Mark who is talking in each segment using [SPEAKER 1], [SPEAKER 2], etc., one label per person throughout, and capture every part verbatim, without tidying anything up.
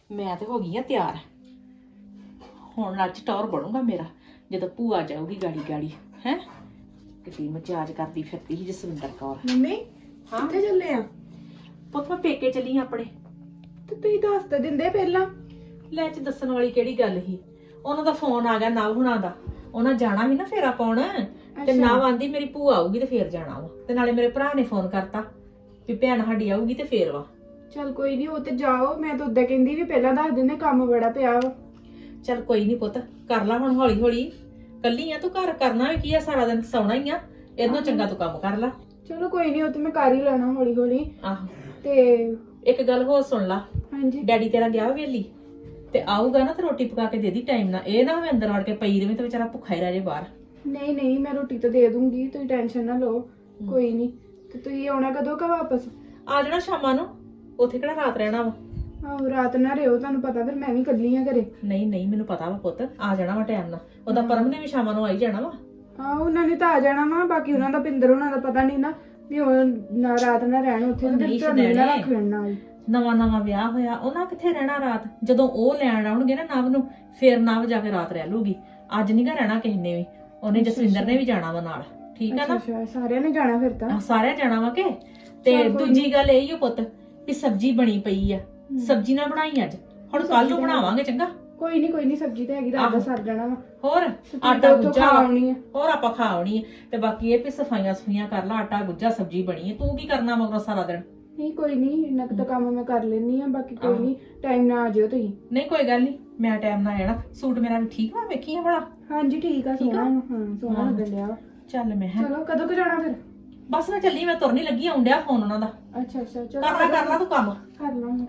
[SPEAKER 1] ਮੈਂ ਤੇ ਹੋ ਗਈ ਆ ਤਿਆਰ। ਹੁਣ ਅੱਜ ਟੌਰ ਬਣੂਗਾ ਮੇਰਾ ਜਦੋਂ ਭੂਆ ਜਾਊਗੀ ਗਾੜੀ ਗਾੜੀ ਹੈ। ਕਿਤੇ ਮਜਾਜ ਕਰਦੀ ਫਿਰਦੀ ਸੀ ਜਸਵਿੰਦਰ ਕੌਰ।
[SPEAKER 2] ਮੰਮੀ
[SPEAKER 1] ਹਾਂ
[SPEAKER 2] ਕਿੱਥੇ ਚੱਲੇ ਆ?
[SPEAKER 1] ਪੁੱਤ ਮੈਂ ਪੇਕੇ ਚੱਲੀ ਆਂ ਆਪਣੇ।
[SPEAKER 2] ਤੇ ਤੁਸੀਂ ਦੱਸ ਤਾਂ ਦਿੰਦੇ ਪਹਿਲਾਂ।
[SPEAKER 1] ਲੈ ਚ ਦੱਸਣ ਵਾਲੀ ਕਿਹੜੀ ਗੱਲ ਸੀ। ਉਹਨਾਂ ਦਾ ਫੋਨ ਆ ਗਿਆ ਨਵ ਹੁਣਾਂ ਦਾ। ਉਹਨਾਂ ਜਾਣਾ ਵੀ ਨਾ ਫੇਰਾ ਪਾਉਣ ਤੇ ਨਵ ਆਂਦੀ ਮੇਰੀ ਭੂਆ ਆਊਗੀ ਤੇ ਫੇਰ ਜਾਣਾ ਵਾ। ਤੇ ਨਾਲੇ ਮੇਰੇ ਭਰਾ ਨੇ ਫੋਨ ਕਰਤਾ ਵੀ ਭੈਣ ਸਾਡੀ ਆਊਗੀ ਤੇ ਫੇਰ ਵਾ।
[SPEAKER 2] ਚੱਲ ਕੋਈ ਨਹੀਂ, ਉਹ ਤੇ ਜਾਓ। ਮੈਂ ਤਾਂ ਉਦਾਂ ਕਹਿੰਦੀ ਵੀ ਪਹਿਲਾਂ ਦੱਸ ਦਿੰਦੇ, ਕੰਮ ਬੜਾ ਪਿਆ ਵਾ।
[SPEAKER 1] ਚੱਲ ਕੋਈ ਨਹੀਂ ਪੁੱਤ, ਕਰ ਲਾ ਹੁਣ ਹੌਲੀ ਹੌਲੀ। ਕੱਲੀ ਆ ਤੂੰ, ਘਰ ਕਰਨਾ ਵੀ ਕੀ ਆ, ਸਾਰਾ ਦਿਨ ਸੌਣਾ ਹੀ ਆ। ਇਹਨੂੰ ਚੰਗਾ ਤੂੰ ਕੰਮ ਕਰ ਲਾ।
[SPEAKER 2] ਚਲੋ ਕੋਈ ਨਹੀਂ, ਉਹ ਤੇ ਮੈਂ ਕਰ ਹੀ ਲੈਣਾ ਹੌਲੀ ਹੌਲੀ।
[SPEAKER 1] ਆਹੋ
[SPEAKER 2] ਤੇ
[SPEAKER 1] ਇੱਕ ਗੱਲ ਹੋਰ ਸੁਣ ਲਾ।
[SPEAKER 2] ਹਾਂਜੀ।
[SPEAKER 1] ਡੈਡੀ ਤੇਰਾ ਗਿਆ ਵੇਲੀ ਤੇ ਆਊਗਾ ਨਾ ਤੇ ਰੋਟੀ ਪਕਾ ਕੇ ਦੇ ਦੀ ਟਾਈਮ ਨਾਲ। ਇਹ ਨਾ ਹੋਵੇ ਅੰਦਰ ਵੜ ਕੇ ਪਈ ਰਵੇ ਤੇ ਵਿਚਾਰਾ ਭੁੱਖਾ ਹੀ ਰਹਿ ਜੇ ਬਾਹਰ।
[SPEAKER 2] ਨਹੀਂ ਨਹੀਂ, ਮੈਂ ਰੋਟੀ ਤਾਂ ਦੇ ਦੂੰਗੀ, ਤੁਸੀਂ ਟੈਨਸ਼ਨ ਨਾ ਲਓ। ਕੋਈ ਨਹੀਂ। ਤੇ ਤੁਸੀਂ ਆਉਣਾ ਕਦੋਂ ਕਾ ਵਾਪਸ?
[SPEAKER 1] ਆ ਜਾਣਾ ਸ਼ਾਮਾਂ ਨੂੰ। ਉੱਥੇ ਕਿਹੜਾ ਰਾਤ ਰਹਿਣਾ ਵਾ।
[SPEAKER 2] ਆਹੋ ਰਾਤ ਨਾ ਰਿਓ, ਤੁਹਾਨੂੰ ਪਤਾ ਫਿਰ ਮੈਂ ਵੀ ਕੱਲੀ ਆ ਘਰੇ।
[SPEAKER 1] ਨਹੀਂ ਨਹੀਂ ਮੈਨੂੰ ਪਤਾ ਵਾ ਪੁੱਤ, ਆ ਜਾਣਾ ਵਾ ਟਾਈਮ ਨਾਲ। ਉਹਦਾ ਪਰਮ ਨੇ ਵੀ ਸ਼ਾਮਾਂ ਨੂੰ ਆਈ ਜਾਣਾ ਵਾ।
[SPEAKER 2] ਆਹੋ ਉਹਨਾਂ ਨੇ ਤਾਂ ਆ ਜਾਣਾ ਵਾ। ਬਾਕੀ ਉਹਨਾਂ ਦਾ ਪਿੰਦਰ ਉਹਨਾਂ ਦਾ ਪਤਾ ਨਹੀਂ ਨਾ ਵੀ ਉਹ ਨਾ ਰਾਤ ਨਾ ਰਹਿਣ ਉੱਥੇ।
[SPEAKER 1] ਨਹੀਂ
[SPEAKER 2] ਤੁਹਾਨੂੰ ਨਾ
[SPEAKER 1] ਛੱਡਣੇ।
[SPEAKER 2] ਰੱਖ ਲੈਣਾ।
[SPEAKER 1] ਨਵਾਂ ਨਵਾਂ ਵਿਆਹ ਹੋਇਆ, ਉਹਨਾਂ ਕਿੱਥੇ ਰਹਿਣਾ ਰਾਤ। ਜਦੋਂ ਉਹ ਲੈਣ ਆਉਣਗੇ ਨਾ ਨਵ ਨੂੰ, ਫੇਰ ਨਵ ਜਾ ਕੇ ਰਾਤ ਰਹਿ ਲੂਗੀ। ਅੱਜ ਨੀ ਗਾ ਰਹਿਣਾ ਕਿਸੇ ਨੇ ਵੀ। ਉਹਨੇ ਜਸਵਿੰਦਰ ਨੇ ਵੀ ਜਾਣਾ ਵਾ ਨਾਲ। ਠੀਕ ਆ ਨਾ?
[SPEAKER 2] ਅੱਛਾ, ਸਾਰਿਆਂ ਨੇ ਜਾਣਾ ਫਿਰ ਤਾਂ।
[SPEAKER 1] ਆਹ ਸਾਰਿਆਂ ਜਾਣਾ ਵਾ ਕਿ। ਤੇ ਦੂਜੀ ਗੱਲ ਇਹ ਹੀ ਓ ਪੁੱਤ ਵੀ ਸਬਜ਼ੀ ਬਣੀ ਪਈ ਆ। ਸਬਜ਼ੀ ਨਾ ਬਣਾਈ ਅੱਜ, ਹੁਣ ਕੱਲ ਨੂੰ ਬਣਾਵਾਂਗੇ ਚੰਗਾ।
[SPEAKER 2] ਕੋਈ ਨਹੀਂ ਕੋਈ ਨਹੀਂ, ਸਬਜ਼ੀ ਤਾਂ ਹੈਗੀ, ਰਾਤ ਦਾ ਸਰ ਜਾਣਾ ਵਾ।
[SPEAKER 1] ਹੋਰ ਆਟਾ ਗੁੱਜਾ ਆਉਣੀ ਹੈ। ਹੋਰ ਆਪਾਂ ਖਾ ਆਉਣੀ ਹੈ। ਤੇ ਬਾਕੀ ਇਹ ਵੀ ਸਫਾਈਆਂ ਸਫਾਈਆਂ ਕਰ ਲਾ। ਆਟਾ ਗੁੱਜਾ ਸਬਜ਼ੀ ਬਣੀ ਹੈ। ਤੂੰ ਕੀ ਕਰਨਾ ਮਗਰੋਂ ਸਾਰਾ ਦਿਨ?
[SPEAKER 2] ਨਹੀਂ ਕੋਈ ਨਹੀਂ, ਇੰਨਾ ਕੁ ਤਾਂ ਕੰਮ ਮੈਂ ਕਰ ਲੈਣੀ ਆ। ਬਾਕੀ ਕੋਈ ਨਹੀਂ, ਟਾਈਮ ਨਾਲ ਆ ਜਿਓ ਤੁਸੀਂ।
[SPEAKER 1] ਨਹੀਂ ਕੋਈ ਗੱਲ ਨਹੀਂ, ਮੈਂ ਟਾਈਮ ਨਾਲ ਆਣਾ। ਸੂਟ ਮੇਰਾ ਵੀ ਠੀਕ ਵਾ, ਵੇਖੀ ਆ ਬੜਾ।
[SPEAKER 2] ਹਾਂਜੀ ਠੀਕ ਆ, ਸੋਹਣਾ ਹਾਂ ਸੋਹਣਾ ਲੱਗਣ ਡਿਆ ਵਾ।
[SPEAKER 1] ਚੱਲ ਮੈਂ ਹੈ
[SPEAKER 2] ਚਲੋ ਕਦੋਂ ਕੁ ਜਾਣਾ ਫਿਰ?
[SPEAKER 1] ਬਸ ਮੈਂ ਚੱਲੀ, ਮੈਂ ਤੁਰਨੀ ਲੱਗੀ। ਆਉਣ ਡਿਆ ਫੋਨ ਉਹਨਾਂ ਦਾ।
[SPEAKER 2] ਅੱਛਾ ਅੱਛਾ ਚਲੋ
[SPEAKER 1] ਕਰ ਲੈ ਕਰ ਲੈ ਤੂੰ ਕੰਮ।
[SPEAKER 2] ਕਰ ਲਾਂਗੇ।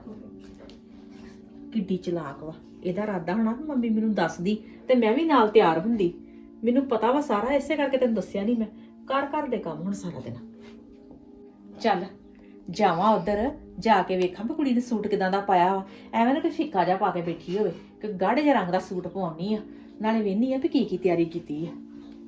[SPEAKER 1] ਕਿੱਡੀ ਚਲਾਕ ਵਾ। ਇਹਦਾ ਇਰਾਦਾ ਹੋਣਾ ਵੀ ਮੰਮੀ ਮੈਨੂੰ ਦੱਸਦੀ ਤੇ ਮੈਂ ਵੀ ਨਾਲ ਤਿਆਰ ਹੁੰਦੀ। ਮੈਨੂੰ ਪਤਾ ਵਾ ਸਾਰਾ, ਇਸੇ ਕਰਕੇ ਤੈਨੂੰ ਦੱਸਿਆ ਨਹੀਂ ਮੈਂ। ਕਰ ਕਰ ਦੇ ਕੰਮ ਹੁਣ ਸਾਰਾ ਦਿਨ। ਚੱਲ ਜਾਵਾਂ ਉਧਰ, ਜਾ ਕੇ ਵੇਖਾਂ ਵੀ ਕੁੜੀ ਨੇ ਸੂਟ ਕਿਦਾਂ ਦਾ ਪਾਇਆ ਵਾ। ਐਵੇਂ ਨਾ ਕੋਈ ਫਿੱਕਾ ਜਿਹਾ ਪਾ ਕੇ ਬੈਠੀ ਹੋਵੇ, ਕਿ ਗਾੜੇ ਜਿਹੇ ਰੰਗ ਦਾ ਸੂਟ ਪਵਾਉਣੀ ਆ। ਨਾਲੇ ਵੇਹਨੀ ਆ ਵੀ ਕੀ ਕੀ ਤਿਆਰੀ ਕੀਤੀ ਆ।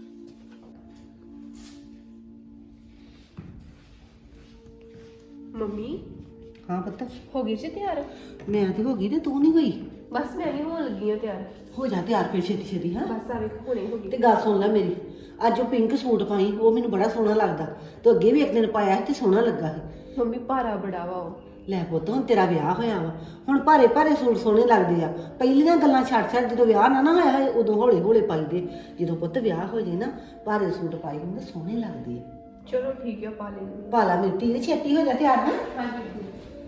[SPEAKER 3] ਮੰਮੀ
[SPEAKER 4] ਹਾਂ ਪੁੱਤ,
[SPEAKER 3] ਹੋ ਗਈ ਜੀ ਤਿਆਰ?
[SPEAKER 4] ਮੈਂ ਤੇ ਹੋ ਗਈ ਤੇ ਤੂੰ ਨਹੀਂ ਹੋਈ।
[SPEAKER 3] ਬਸ ਮੈਂ ਵੀ ਹੋਣ ਲੱਗੀ ਹਾਂ ਤਿਆਰ।
[SPEAKER 4] ਹੋ ਜਾ ਤਿਆਰ ਫਿਰ ਛੇਤੀ ਛੇਤੀ। ਹਾਂ
[SPEAKER 3] ਬਸ ਆ ਵੇਖ ਹੁਣੇ ਹੋ ਗਈ।
[SPEAKER 4] ਤੇ ਗੱਲ ਸੁਣ ਲੈ ਮੇਰੀ, ਅੱਜ ਉਹ ਪਿੰਕ ਸੂਟ ਪਾਈ, ਉਹ ਮੈਨੂੰ ਬੜਾ ਸੋਹਣਾ ਲੱਗਦਾ। ਤੇ ਅੱਗੇ ਵੀ ਇੱਕ ਦਿਨ ਪਾਇਆ ਸੀ ਤੇ ਸੋਹਣਾ ਲੱਗਾ ਸੀ।
[SPEAKER 3] ਮੰਮੀ ਭਾਰਾ ਬੜਾ ਵਾ ਉਹ।
[SPEAKER 4] ਲੈ ਪੁੱਤ, ਹੁਣ ਤੇਰਾ ਵਿਆਹ ਹੋਇਆ ਵਾ, ਹੁਣ ਭਾਰੇ ਭਾਰੇ ਸੂਟ ਸੋਹਣੇ ਲੱਗਦੇ ਆ। ਪਹਿਲੀਆਂ ਗੱਲਾਂ ਛੱਡ ਛੱਡ, ਜਦੋਂ ਵਿਆਹ ਨਾ ਨਾ ਹੋਇਆ ਹੋਏ ਉਦੋਂ ਹੌਲੇ ਹੌਲੇ ਪਾਈਦੇ। ਜਦੋਂ ਪੁੱਤ ਵਿਆਹ ਹੋ ਜਾਏ ਨਾ, ਭਾਰੇ ਸੂਟ ਪਾਈ ਹੁੰਦੇ ਸੋਹਣੇ ਲੱਗਦੇ ਆ।
[SPEAKER 3] ਚਲੋ ਠੀਕ ਹੈ, ਪਾ ਲੈਂਦੀ।
[SPEAKER 4] ਪਾਲਾ ਮਿੱਟੀ ਦੇ, ਛੇਤੀ ਹੋ ਜਾ ਤਿਆਰ। ਨਾ
[SPEAKER 3] ਹਾਂਜੀ।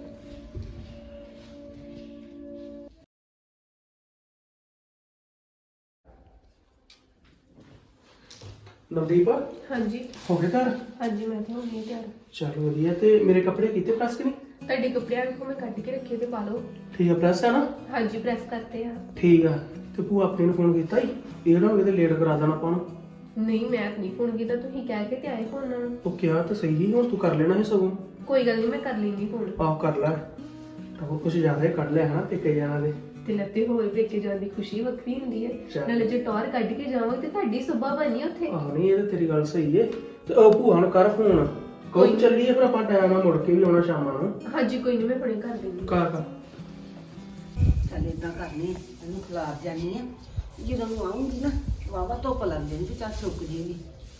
[SPEAKER 5] ਨਵਦੀਪ
[SPEAKER 3] ਹਾਂਜੀ
[SPEAKER 5] ਹੋ ਗਏ ਘਰ?
[SPEAKER 3] ਹਾਂਜੀ ਮੈਂ ਤਾਂ ਹੋ ਗਈ ਹਾਂ ਤਿਆਰ।
[SPEAKER 5] ਚਲ ਵਧੀਆ। ਤੇ ਮੇਰੇ ਕੱਪੜੇ ਕੀਤੇ ਪ੍ਰੈਸ ਕਿ ਨਹੀਂ?
[SPEAKER 3] ਤੁਹਾਡੇ ਕੱਪੜਿਆਂ ਨੂੰ ਮੈਂ ਕੱਢ ਕੇ ਰੱਖੇ ਤੇ ਪਾ ਲਓ।
[SPEAKER 5] ਠੀਕ ਆ, ਪ੍ਰੈਸ ਹੈ ਨਾ?
[SPEAKER 3] ਹਾਂਜੀ ਪ੍ਰੈਸ ਕਰਤੇ ਆ।
[SPEAKER 5] ਠੀਕ ਆ। ਤੇ ਭੂਆ ਆਪਣੀ ਨੂੰ ਫੋਨ ਕੀਤਾ ਹੀ? ਇਹ ਨਾ ਹੋਵੇ ਤੇ ਲੇਟ ਕਰਾ ਦੇਣਾ ਆਪਾਂ ਨੂੰ।
[SPEAKER 3] ਨਹੀਂ ਮੈਂ ਤਾਂ ਨਹੀਂ ਫੋਨ ਕੀਤਾ, ਤੁਸੀਂ ਕਹਿ ਕੇ ਤੇ ਆਏ ਫੋਨ ਨਾਲ।
[SPEAKER 5] ਉਹ ਕਿਹਾ ਤਾਂ ਸਹੀ, ਹੁਣ ਤੂੰ ਕਰ ਲੈਣਾ ਹੈ ਸਗੋਂ।
[SPEAKER 3] ਕੋਈ ਗੱਲ ਨਹੀਂ, ਮੈਂ ਕਰ ਲੈਂਦੀ ਫੋਨ।
[SPEAKER 5] ਆਹ ਕਰ ਲੈ। ਤਾਂ ਕੁਝ ਜ਼ਿਆਦਾ ਹੀ ਕੱਢ ਲਿਆ ਹੈ ਨਾ ਪੇਕੇ ਜਾਣਾ ਦੇ।
[SPEAKER 3] ਤੇ ਲੱਤੇ ਹੋਰ ਪੇਕੇ ਜਾਣ ਦੀ ਖੁਸ਼ੀ ਵੱਖਰੀ ਹੁੰਦੀ ਹੈ।
[SPEAKER 5] ਚੱਲ।
[SPEAKER 3] ਨਾਲੇ ਜੇ ਟੌਰ ਕੱਢ ਕੇ ਜਾਵਾਂਗੇ ਤੇ ਤੁਹਾਡੀ ਸੁਭਾ ਬਣੀ ਉੱਥੇ।
[SPEAKER 5] ਆਹ ਨਹੀਂ, ਇਹ ਤਾਂ ਤੇਰੀ ਗੱਲ ਸਹੀ ਏ। ਤੇ ਉਹ ਭੂਆ ਨੂੰ ਕਰ ਫੋਨ। ਕੋਈ ਚੱਲੀਏ ਫਿਰ ਆਪਾਂ ਟਾਈਮ ਨਾਲ ਮੁੜ ਕੇ ਵੀ ਆਉਣਾ ਸ਼ਾਮਾਂ ਨੂੰ।
[SPEAKER 3] ਹਾਂਜੀ ਕੋਈ ਨਹੀਂ, ਮੈਂ ਹੁਣੇ ਕਰ ਦਿੰਦੀ।
[SPEAKER 5] ਕਰ ਕਰ।
[SPEAKER 4] ਚੱਲ ਏਦਾਂ ਕਰਨੀ, ਇਹਨੂੰ ਖਿਲਾਰ ਜਾਨੀ ਆ। ਜਦੋਂ ਨੂੰ ਆਉਂਗੀ ਨਾ, ਵਾਵਾ ਧੁੱਪ ਲੱਗ ਜਾਣੀ ਤੇ ਚੱਲ ਸੁੱਕ ਜੇਗੀ।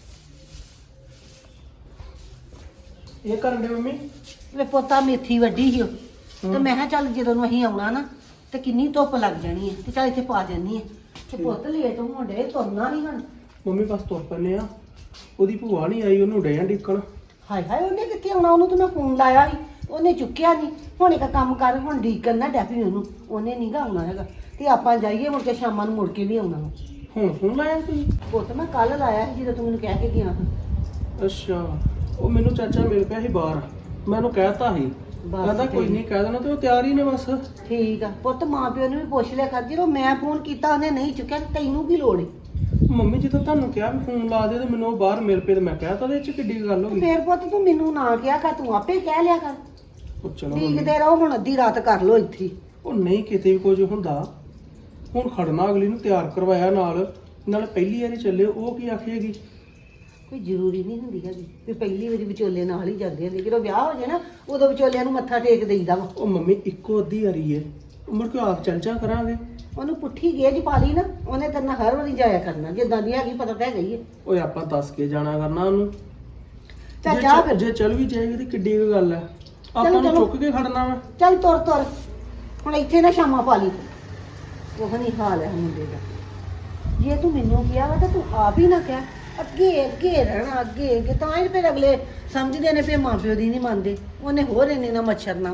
[SPEAKER 5] ਇਹ ਕਰਨ ਦੇ ਮੰਮੀ?
[SPEAKER 4] ਵੇ ਪੋਤਾ ਮੇਥੀ ਵੱਡੀ ਸੀ ਉਹ, ਤੇ ਮੈਂ ਕਿਹਾ ਚੱਲ ਜਦੋਂ ਨੂੰ ਅਸੀਂ ਆਉਣਾ ਨਾ ਤੇ ਕਿੰਨੀ ਧੁੱਪ ਲੱਗ ਜਾਣੀ ਹੈ, ਤੇ ਚੱਲ ਇੱਥੇ ਪਾ ਜਾਨੀ ਹੈ। ਤੇ ਪੁੱਤ ਲੇਟ ਹੋਣ ਡੇ, ਤੁਰਨਾ ਨਹੀਂ ਹੁਣ।
[SPEAKER 5] ਮੰਮੀ ਬਸ ਤੁਰ ਪੈਨੇ ਆ। ਉਹਦੀ ਭੂਆ ਨਹੀਂ ਆਈ, ਉਹਨੂੰ ਡਿਆਂ ਡਿੱਕਣ।
[SPEAKER 4] ਹਾਏ ਹਾਏ, ਉਹਨੇ ਕਿੱਥੇ ਆਉਣਾ? ਉਹਨੂੰ ਤਾਂ ਮੈਂ ਫੋਨ ਲਾਇਆ ਸੀ, ਉਹਨੇ ਚੁੱਕਿਆ ਨਹੀਂ। ਹੁਣ ਇੱਕ ਕੰਮ ਕਰ, ਹੁਣ ਡੀਕਣ ਨਾ ਡੈਪੀ ਉਹਨੂੰ, ਉਹਨੇ ਨਹੀਂ ਗਾ ਆਉਣਾ ਹੈਗਾ। ਤੇ ਆਪਾਂ ਜਾਈਏ ਮੁੜ ਕੇ ਸ਼ਾਮਾਂ ਨੂੰ, ਮੁੜ ਕੇ ਵੀ ਆਉਣਾ ਵਾ।
[SPEAKER 5] ਹੁਣ ਫੋਨ ਲਾਇਆ ਤੁਸੀਂ?
[SPEAKER 4] ਪੁੱਤ ਮੈਂ ਕੱਲ ਲਾਇਆ ਸੀ ਜਦੋਂ ਤੂੰ ਮੈਨੂੰ ਕਹਿ ਕੇ ਗਿਆ ਸੀ।
[SPEAKER 5] ਅੱਛਾ, ਉਹ ਮੈਨੂੰ ਚਾਚਾ ਮਿਲ ਪਿਆ ਸੀ ਬਾਹਰ। ਮੈਂ ਉਹਨੂੰ ਕਹਿਤਾ ਸੀ,
[SPEAKER 4] ਬਸ
[SPEAKER 5] ਕਹਿੰਦਾ ਕੋਈ ਨਹੀਂ ਕਹਿ ਦੇਣਾ। ਤੇ ਉਹ ਤਿਆਰ ਹੀ ਨੇ ਬਸ।
[SPEAKER 4] ਠੀਕ ਆ ਪੁੱਤ, ਮਾਂ ਪਿਓ ਨੂੰ ਵੀ ਪੁੱਛ ਲਿਆ ਕਰ। ਜਦੋਂ ਮੈਂ ਫੋਨ ਕੀਤਾ ਉਹਨੇ ਨਹੀਂ ਚੁੱਕਿਆ, ਤੇ ਤੈਨੂੰ ਕੀ ਲੋੜ ਹੈ?
[SPEAKER 5] ਮੰਮੀ ਜਦੋਂ ਤੁਹਾਨੂੰ ਕਿਹਾ ਵੀ ਫੋਨ ਲਾ ਦੇ ਤੇ ਮੈਨੂੰ ਉਹ ਬਾਹਰ ਮਿਲ ਪਏ ਤੇ ਮੈਂ ਕਹਿਤਾ। ਉਹਦੇ ਚ ਕਿੱਡੀ ਗੱਲ ਹੋ ਗਈ?
[SPEAKER 4] ਫੇਰ ਪੁੱਤ ਤੂੰ ਮੈਨੂੰ ਨਾ ਕਿਹਾ ਕਰ, ਤੂੰ ਆਪੇ ਕਹਿ ਲਿਆ ਕਰ।
[SPEAKER 5] ਉਹ ਚਲੋ ਮੰਮੀ,
[SPEAKER 4] ਦੇਖਦੇ ਰਹੋ, ਹੁਣ ਅੱਧੀ ਰਾਤ ਕਰ ਲੋ ਇੱਥੇ ਹੀ।
[SPEAKER 5] ਉਹ ਨਹੀਂ ਕਿਤੇ ਵੀ ਕੁਝ ਹੁੰਦਾ। ਹੁਣ ਖੜਨਾ ਅਗਲੀ ਨੂੰ ਤਿਆਰ ਕਰਵਾਇਆ ਨਾਲ ਨਾਲ ਪਹਿਲੀ ਵਾਰੀ ਚੱਲੇ, ਉਹ ਕੀ ਆਖੇਗੀ?
[SPEAKER 4] ਕੋਈ ਜ਼ਰੂਰੀ ਨਹੀਂ ਹੁੰਦੀ ਹੈਗੀ ਵੀ ਪਹਿਲੀ ਵਾਰੀ ਵਿਚੋਲੇ ਨਾਲ ਹੀ ਜਾਂਦੇ ਹੁੰਦੇ। ਜਦੋਂ ਵਿਆਹ ਹੋ ਜਾਏ ਨਾ, ਉਦੋਂ ਵਿਚੋਲਿਆਂ ਨੂੰ ਮੱਥਾ ਟੇਕ ਦੇਈਦਾ ਵਾ।
[SPEAKER 5] ਉਹ ਮੰਮੀ ਇੱਕੋ ਅੱਧੀ ਵਾਰੀ ਏ, ਮੁੜ ਕੇ ਆਪ ਚੱਲ ਜਾ ਕਰਾਂਗੇ।
[SPEAKER 4] ਉਹਨੂੰ ਪੁੱਠੀ ਗੇਜ ਪਾ ਲਈ ਨਾ, ਉਹਨੇ ਤੇਰੇ ਨਾਲ ਹਰ ਵਾਰੀ ਜਾਇਆ ਕਰਨਾ, ਜਿੱਦਾਂ ਦੀ ਹੈਗੀ ਪਤਾ ਤਾਂ ਹੈਗਾ ਹੀ ਹੈ।
[SPEAKER 5] ਓਏ ਆਪਾਂ ਦੱਸ ਕੇ ਜਾਣਾ ਕਰਨਾ ਉਹਨੂੰ।
[SPEAKER 4] ਚੱਲ
[SPEAKER 5] ਜੇ
[SPEAKER 4] ਜਾ
[SPEAKER 5] ਚੱਲ-
[SPEAKER 4] ਫਿਰ।
[SPEAKER 5] ਜੇ ਚੱਲ ਵੀ ਜਾਏਗੀ ਤੇ ਕਿੱਡੀ ਕੁ ਗੱਲ ਹੈ, ਆਪਾਂ
[SPEAKER 4] ਚਲੋ,
[SPEAKER 5] ਨੂੰ
[SPEAKER 4] ਚਲੋ।
[SPEAKER 5] ਚੁੱਕ ਕੇ ਖੜਨਾ ਵਾ।
[SPEAKER 4] ਚੱਲ ਤੁਰ ਤੁਰ, ਹੁਣ ਇੱਥੇ ਨਾ ਸ਼ਾਮਾਂ ਪਾ ਲਈ। ਉਹ ਨਹੀਂ ਹਾਲ ਹੈ ਮੁੰਡੇ ਦਾ। ਜੇ ਤੂੰ ਮੈਨੂੰ ਕਿਹਾ ਵਾ ਤਾਂ ਤੂੰ ਆਪ ਹੀ ਨਾ ਕਹਿ, ਅੱਗੇ ਅੱਗੇ ਰਹਿਣਾ, ਅੱਗੇ ਅੱਗੇ, ਤਾਂ ਹੀ ਫਿਰ ਅਗਲੇ ਸਮਝਦੇ ਨੇ ਵੀ ਮਾਂ ਪਿਓ ਦੀ ਨਹੀਂ ਮੰਨਦੇ। ਉਹਨੇ ਹੋਰ ਇੰਨੇ ਨਾ ਮੱਛਰ ਨਾ।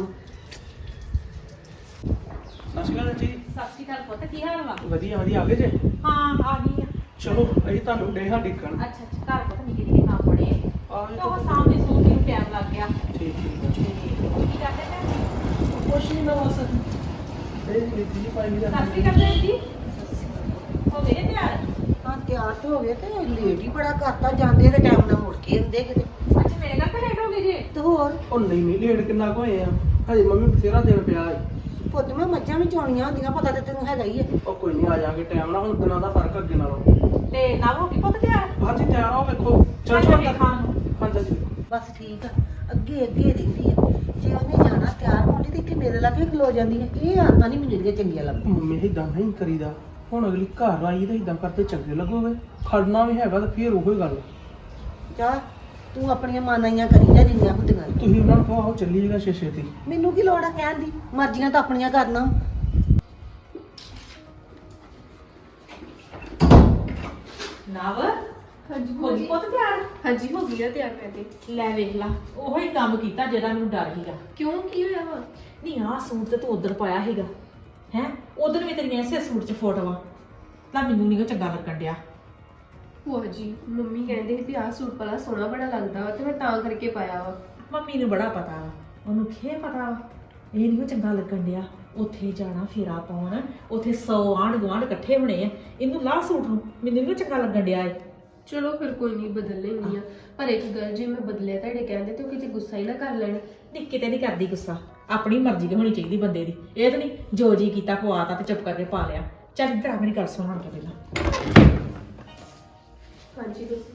[SPEAKER 5] ਸਤਿ ਸ਼੍ਰੀ ਅਕਾਲ ਜੀ।
[SPEAKER 1] ਸਤਿ ਸ਼੍ਰੀ ਅਕਾਲ ਪੁੱਤ, ਕੀ ਹਾਲ ਵਾ?
[SPEAKER 5] ਵਧੀਆ ਵਧੀਆ, ਆ ਗਏ ਜੇ?
[SPEAKER 1] ਹਾਂ ਆ ਗਈ ਆ।
[SPEAKER 5] ਚਲੋ ਅਸੀਂ ਤੁਹਾਨੂੰ ਡੇਹਾ ਡਿੱਕਣ।
[SPEAKER 1] ਅੱਛਾ ਅੱਛਾ, ਘਰ ਪੁੱਤ ਨਿੱਕੇ ਨਿੱਕੇ ਕੰਮ ਬੜੇ ਆ।
[SPEAKER 5] ਆ
[SPEAKER 1] ਤੇ ਉਹ ਸਾਹਮਣੇ ਸੋਚ ਨੂੰ ਟਾਈਮ ਲੱਗ ਗਿਆ।
[SPEAKER 5] ਠੀਕ ਠੀਕ ਹੈ।
[SPEAKER 1] ਤੇ ਕੀ ਕਰਦੇ ਨੇ?
[SPEAKER 5] ਕੁਛ ਨਹੀਂ, ਮੈਂ ਬਸ ਇਹ ਨੀਤੀ ਜੀ ਪਾਈ ਨਹੀਂ
[SPEAKER 1] ਸਤਿ ਸ਼੍ਰੀ ਅਕਾਲ ਭੈਣ ਜੀ। ਹੋ ਗਏ ਨੇ ਤਿਆਰ?
[SPEAKER 4] ਹਾਂ ਤਿਆਰ ਤੇ ਹੋ ਗਏ ਤੇ ਲੇਟ ਹੀ ਬੜਾ ਕਰਤਾ, ਜਾਂਦੇ ਤੇ ਟਾਈਮ ਨਾਲ ਮੁੜ ਕੇ ਹੁੰਦੇ ਕਿਤੇ।
[SPEAKER 1] ਅੱਛਾ ਮੇਰੇ ਘਰ ਲੇਟ ਹੋ ਗਏ ਜੀ।
[SPEAKER 4] ਤੇ ਹੋਰ
[SPEAKER 5] ਉਹ ਨਹੀਂ ਨਹੀਂ, ਲੇਟ ਕਿੰਨਾ ਕੁ ਹੋਏ ਆ, ਹਜੇ ਮੰਮੀ ਬਥੇਰਾ ਦਿਨ ਪਿਆ ਹੈ।
[SPEAKER 4] ਪੁੱਤ ਮੈਂ ਮੱਝਾਂ ਵੀ ਚੋਣੀਆਂ ਹੁੰਦੀਆਂ, ਪਤਾ ਤੇ ਤੈਨੂੰ ਹੈਗਾ ਹੀ ਹੈ।
[SPEAKER 5] ਉਹ ਕੋਈ ਨਹੀਂ, ਆ ਜਾਾਂਗੇ ਟਾਈਮ ਨਾਲ, ਹੁਣ ਦਿਨਾਂ ਦਾ ਫਰਕ ਅੱਗੇ ਨਾਲੋਂ।
[SPEAKER 1] ਤੇ ਨਾਲ ਹੋ ਗਈ ਪੁੱਤ ਤਿਆਰ?
[SPEAKER 5] ਹਾਂਜੀ ਤਿਆਰ ਹੋ, ਵੇਖੋ ਚਲ
[SPEAKER 1] ਚੱਲ
[SPEAKER 5] ਚਲ
[SPEAKER 1] ਵੇਖਾਂ।
[SPEAKER 5] ਹਾਂਜੀ ਜੀ।
[SPEAKER 4] ਬਸ ਠੀਕ ਆ, ਅੱਗੇ ਅੱਗੇ ਰਹਿੰਦੀ ਹੈ। ਜੇ ਉਹਨੇ ਜਾਣਾ ਤਿਆਰ ਹੋਣੀ ਤੇ ਇੱਥੇ ਮੇਰੇ ਲਾਗੇ ਖਲੋ ਜਾਂਦੀ ਹੈ। ਇਹ ਆਦਤਾਂ ਨਹੀਂ ਮੈਨੂੰ ਜਿਹੜੀਆਂ ਚੰਗੀਆਂ ਲੱਗਦੀਆਂ।
[SPEAKER 5] ਮੰਮੀ ਇਦਾਂ ਨਹੀਂ ਕਰੀਦਾ, ਹੁਣ ਅਗਲੀ ਘਰ ਆਈ ਤਾਂ ਇਦਾਂ ਕਰਦੇ ਚੰਗੇ ਲੱਗੋਗੇ, ਖੜਨਾ ਵੀ ਹੈਗਾ ਤਾਂ ਫੇਰ ਉਹੀ ਗੱਲ।
[SPEAKER 4] ਜਾ ਤੂੰ ਆਪਣੀਆਂ ਮਾਨਾਈਆਂ ਕਰੀ ਜਾ ਜਿੰਨੀਆਂ ਹੁੰਦੀਆਂ।
[SPEAKER 5] ਤੁਸੀਂ ਉਹਨਾਂ ਨੂੰ ਕਹੋ ਆਓ ਚੱਲੀਏਗਾ ਛੇ ਛੇਤੀ।
[SPEAKER 4] ਮੈਨੂੰ ਕੀ ਲੋੜ ਆ ਕਹਿਣ ਦੀ, ਮਰਜ਼ੀਆਂ ਤਾਂ ਆਪਣੀਆਂ ਕਰਨਾ।
[SPEAKER 1] ਨਵ
[SPEAKER 3] ਹਾਂਜੀ
[SPEAKER 1] ਹੋ
[SPEAKER 3] ਭੂਆ
[SPEAKER 1] ਗਈ
[SPEAKER 3] ਜੀ।
[SPEAKER 1] ਪੁੱਤ ਤਿਆਰ?
[SPEAKER 3] ਹਾਂਜੀ ਹੋ ਗਈ ਆ ਤਿਆਰ ਮੈਂ ਤੇ।
[SPEAKER 1] ਲੈ ਵੇਖ ਲਾ, ਉਹੋ ਹੀ ਕੰਮ ਕੀਤਾ ਜਿਹਦਾ ਮੈਨੂੰ ਡਰ ਸੀਗਾ।
[SPEAKER 3] ਕਿਉਂ ਕੀ ਹੋਇਆ ਵਾ?
[SPEAKER 1] ਨਹੀਂ ਆਹ ਸੂਟ ਤੇ ਤੂੰ ਉਧਰ ਪਾਇਆ ਸੀਗਾ ਹੈ, ਉਧਰ ਵੀ ਤੇਰੀਆਂ ਇਸੇ ਸੂਟ 'ਚ ਫੋਟੋਆਂ, ਤਾਂ ਮੈਨੂੰ ਨਹੀਂ ਉਹ ਚੰਗਾ ਲੱਗਣ ਡਿਆ।
[SPEAKER 3] ਭੂਆ ਜੀ ਮੰਮੀ ਕਹਿੰਦੇ ਸੀ ਵੀ ਆਹ ਸੂਟ ਵਾਲਾ ਸੋਹਣਾ ਬੜਾ ਲੱਗਦਾ ਵਾ ਤੇ ਮੈਂ ਤਾਂ ਕਰਕੇ ਪਾਇਆ ਵਾ।
[SPEAKER 1] ਮੰਮੀ ਨੂੰ ਬੜਾ ਪਤਾ ਵਾ, ਉਹਨੂੰ ਖੇ ਪਤਾ ਵਾ, ਇਹ ਨਹੀਂ ਉਹ ਚੰਗਾ ਲੱਗਣ ਡਿਆ। ਉੱਥੇ ਜਾਣਾ ਫੇਰਾ ਪਾਉਣ, ਉੱਥੇ ਸੌ ਆਂਢ ਗੁਆਂਢ ਇਕੱਠੇ ਹੋਣੇ ਆ, ਇਹਨੂੰ ਲਾਹ ਸੂਟ ਨੂੰ, ਮੈਨੂੰ ਨਹੀਂ ਉਹ ਚੰਗਾ ਲੱਗਣ ਡਿਆ ਏ।
[SPEAKER 3] ਚਲੋ ਫਿਰ ਕੋਈ ਨਹੀਂ, ਬਦਲ ਲੈਣੀ ਆ। ਪਰ ਇੱਕ ਗੱਲ, ਜੇ ਮੈਂ ਬਦਲਿਆ ਤੁਹਾਡੇ ਕਹਿੰਦੇ ਤੇ ਉਹ ਕਿਤੇ ਗੁੱਸਾ ਹੀ ਨਾ ਕਰ ਲੈਣ।
[SPEAKER 1] ਨਹੀਂ ਕਿਤੇ ਨਹੀਂ ਕਰਦੀ ਗੁੱਸਾ, ਆਪਣੀ ਮਰਜ਼ੀ ਦੀ ਹੋਣੀ ਚਾਹੀਦੀ ਬੰਦੇ ਦੀ। ਇਹ ਤਾਂ ਨਹੀਂ ਜੋ ਜੀ ਕੀਤਾ ਪਵਾਤਾ ਤੇ ਚੁੱਪ ਕਰਕੇ ਪਾ ਲਿਆ। ਚੱਲ ਇੱਧਰ ਆ, ਮੇਰੀ ਗੱਲ ਸੁਣ ਹੁਣ ਪਹਿਲਾਂ।
[SPEAKER 3] ਹਾਂਜੀ ਦੱਸੋ।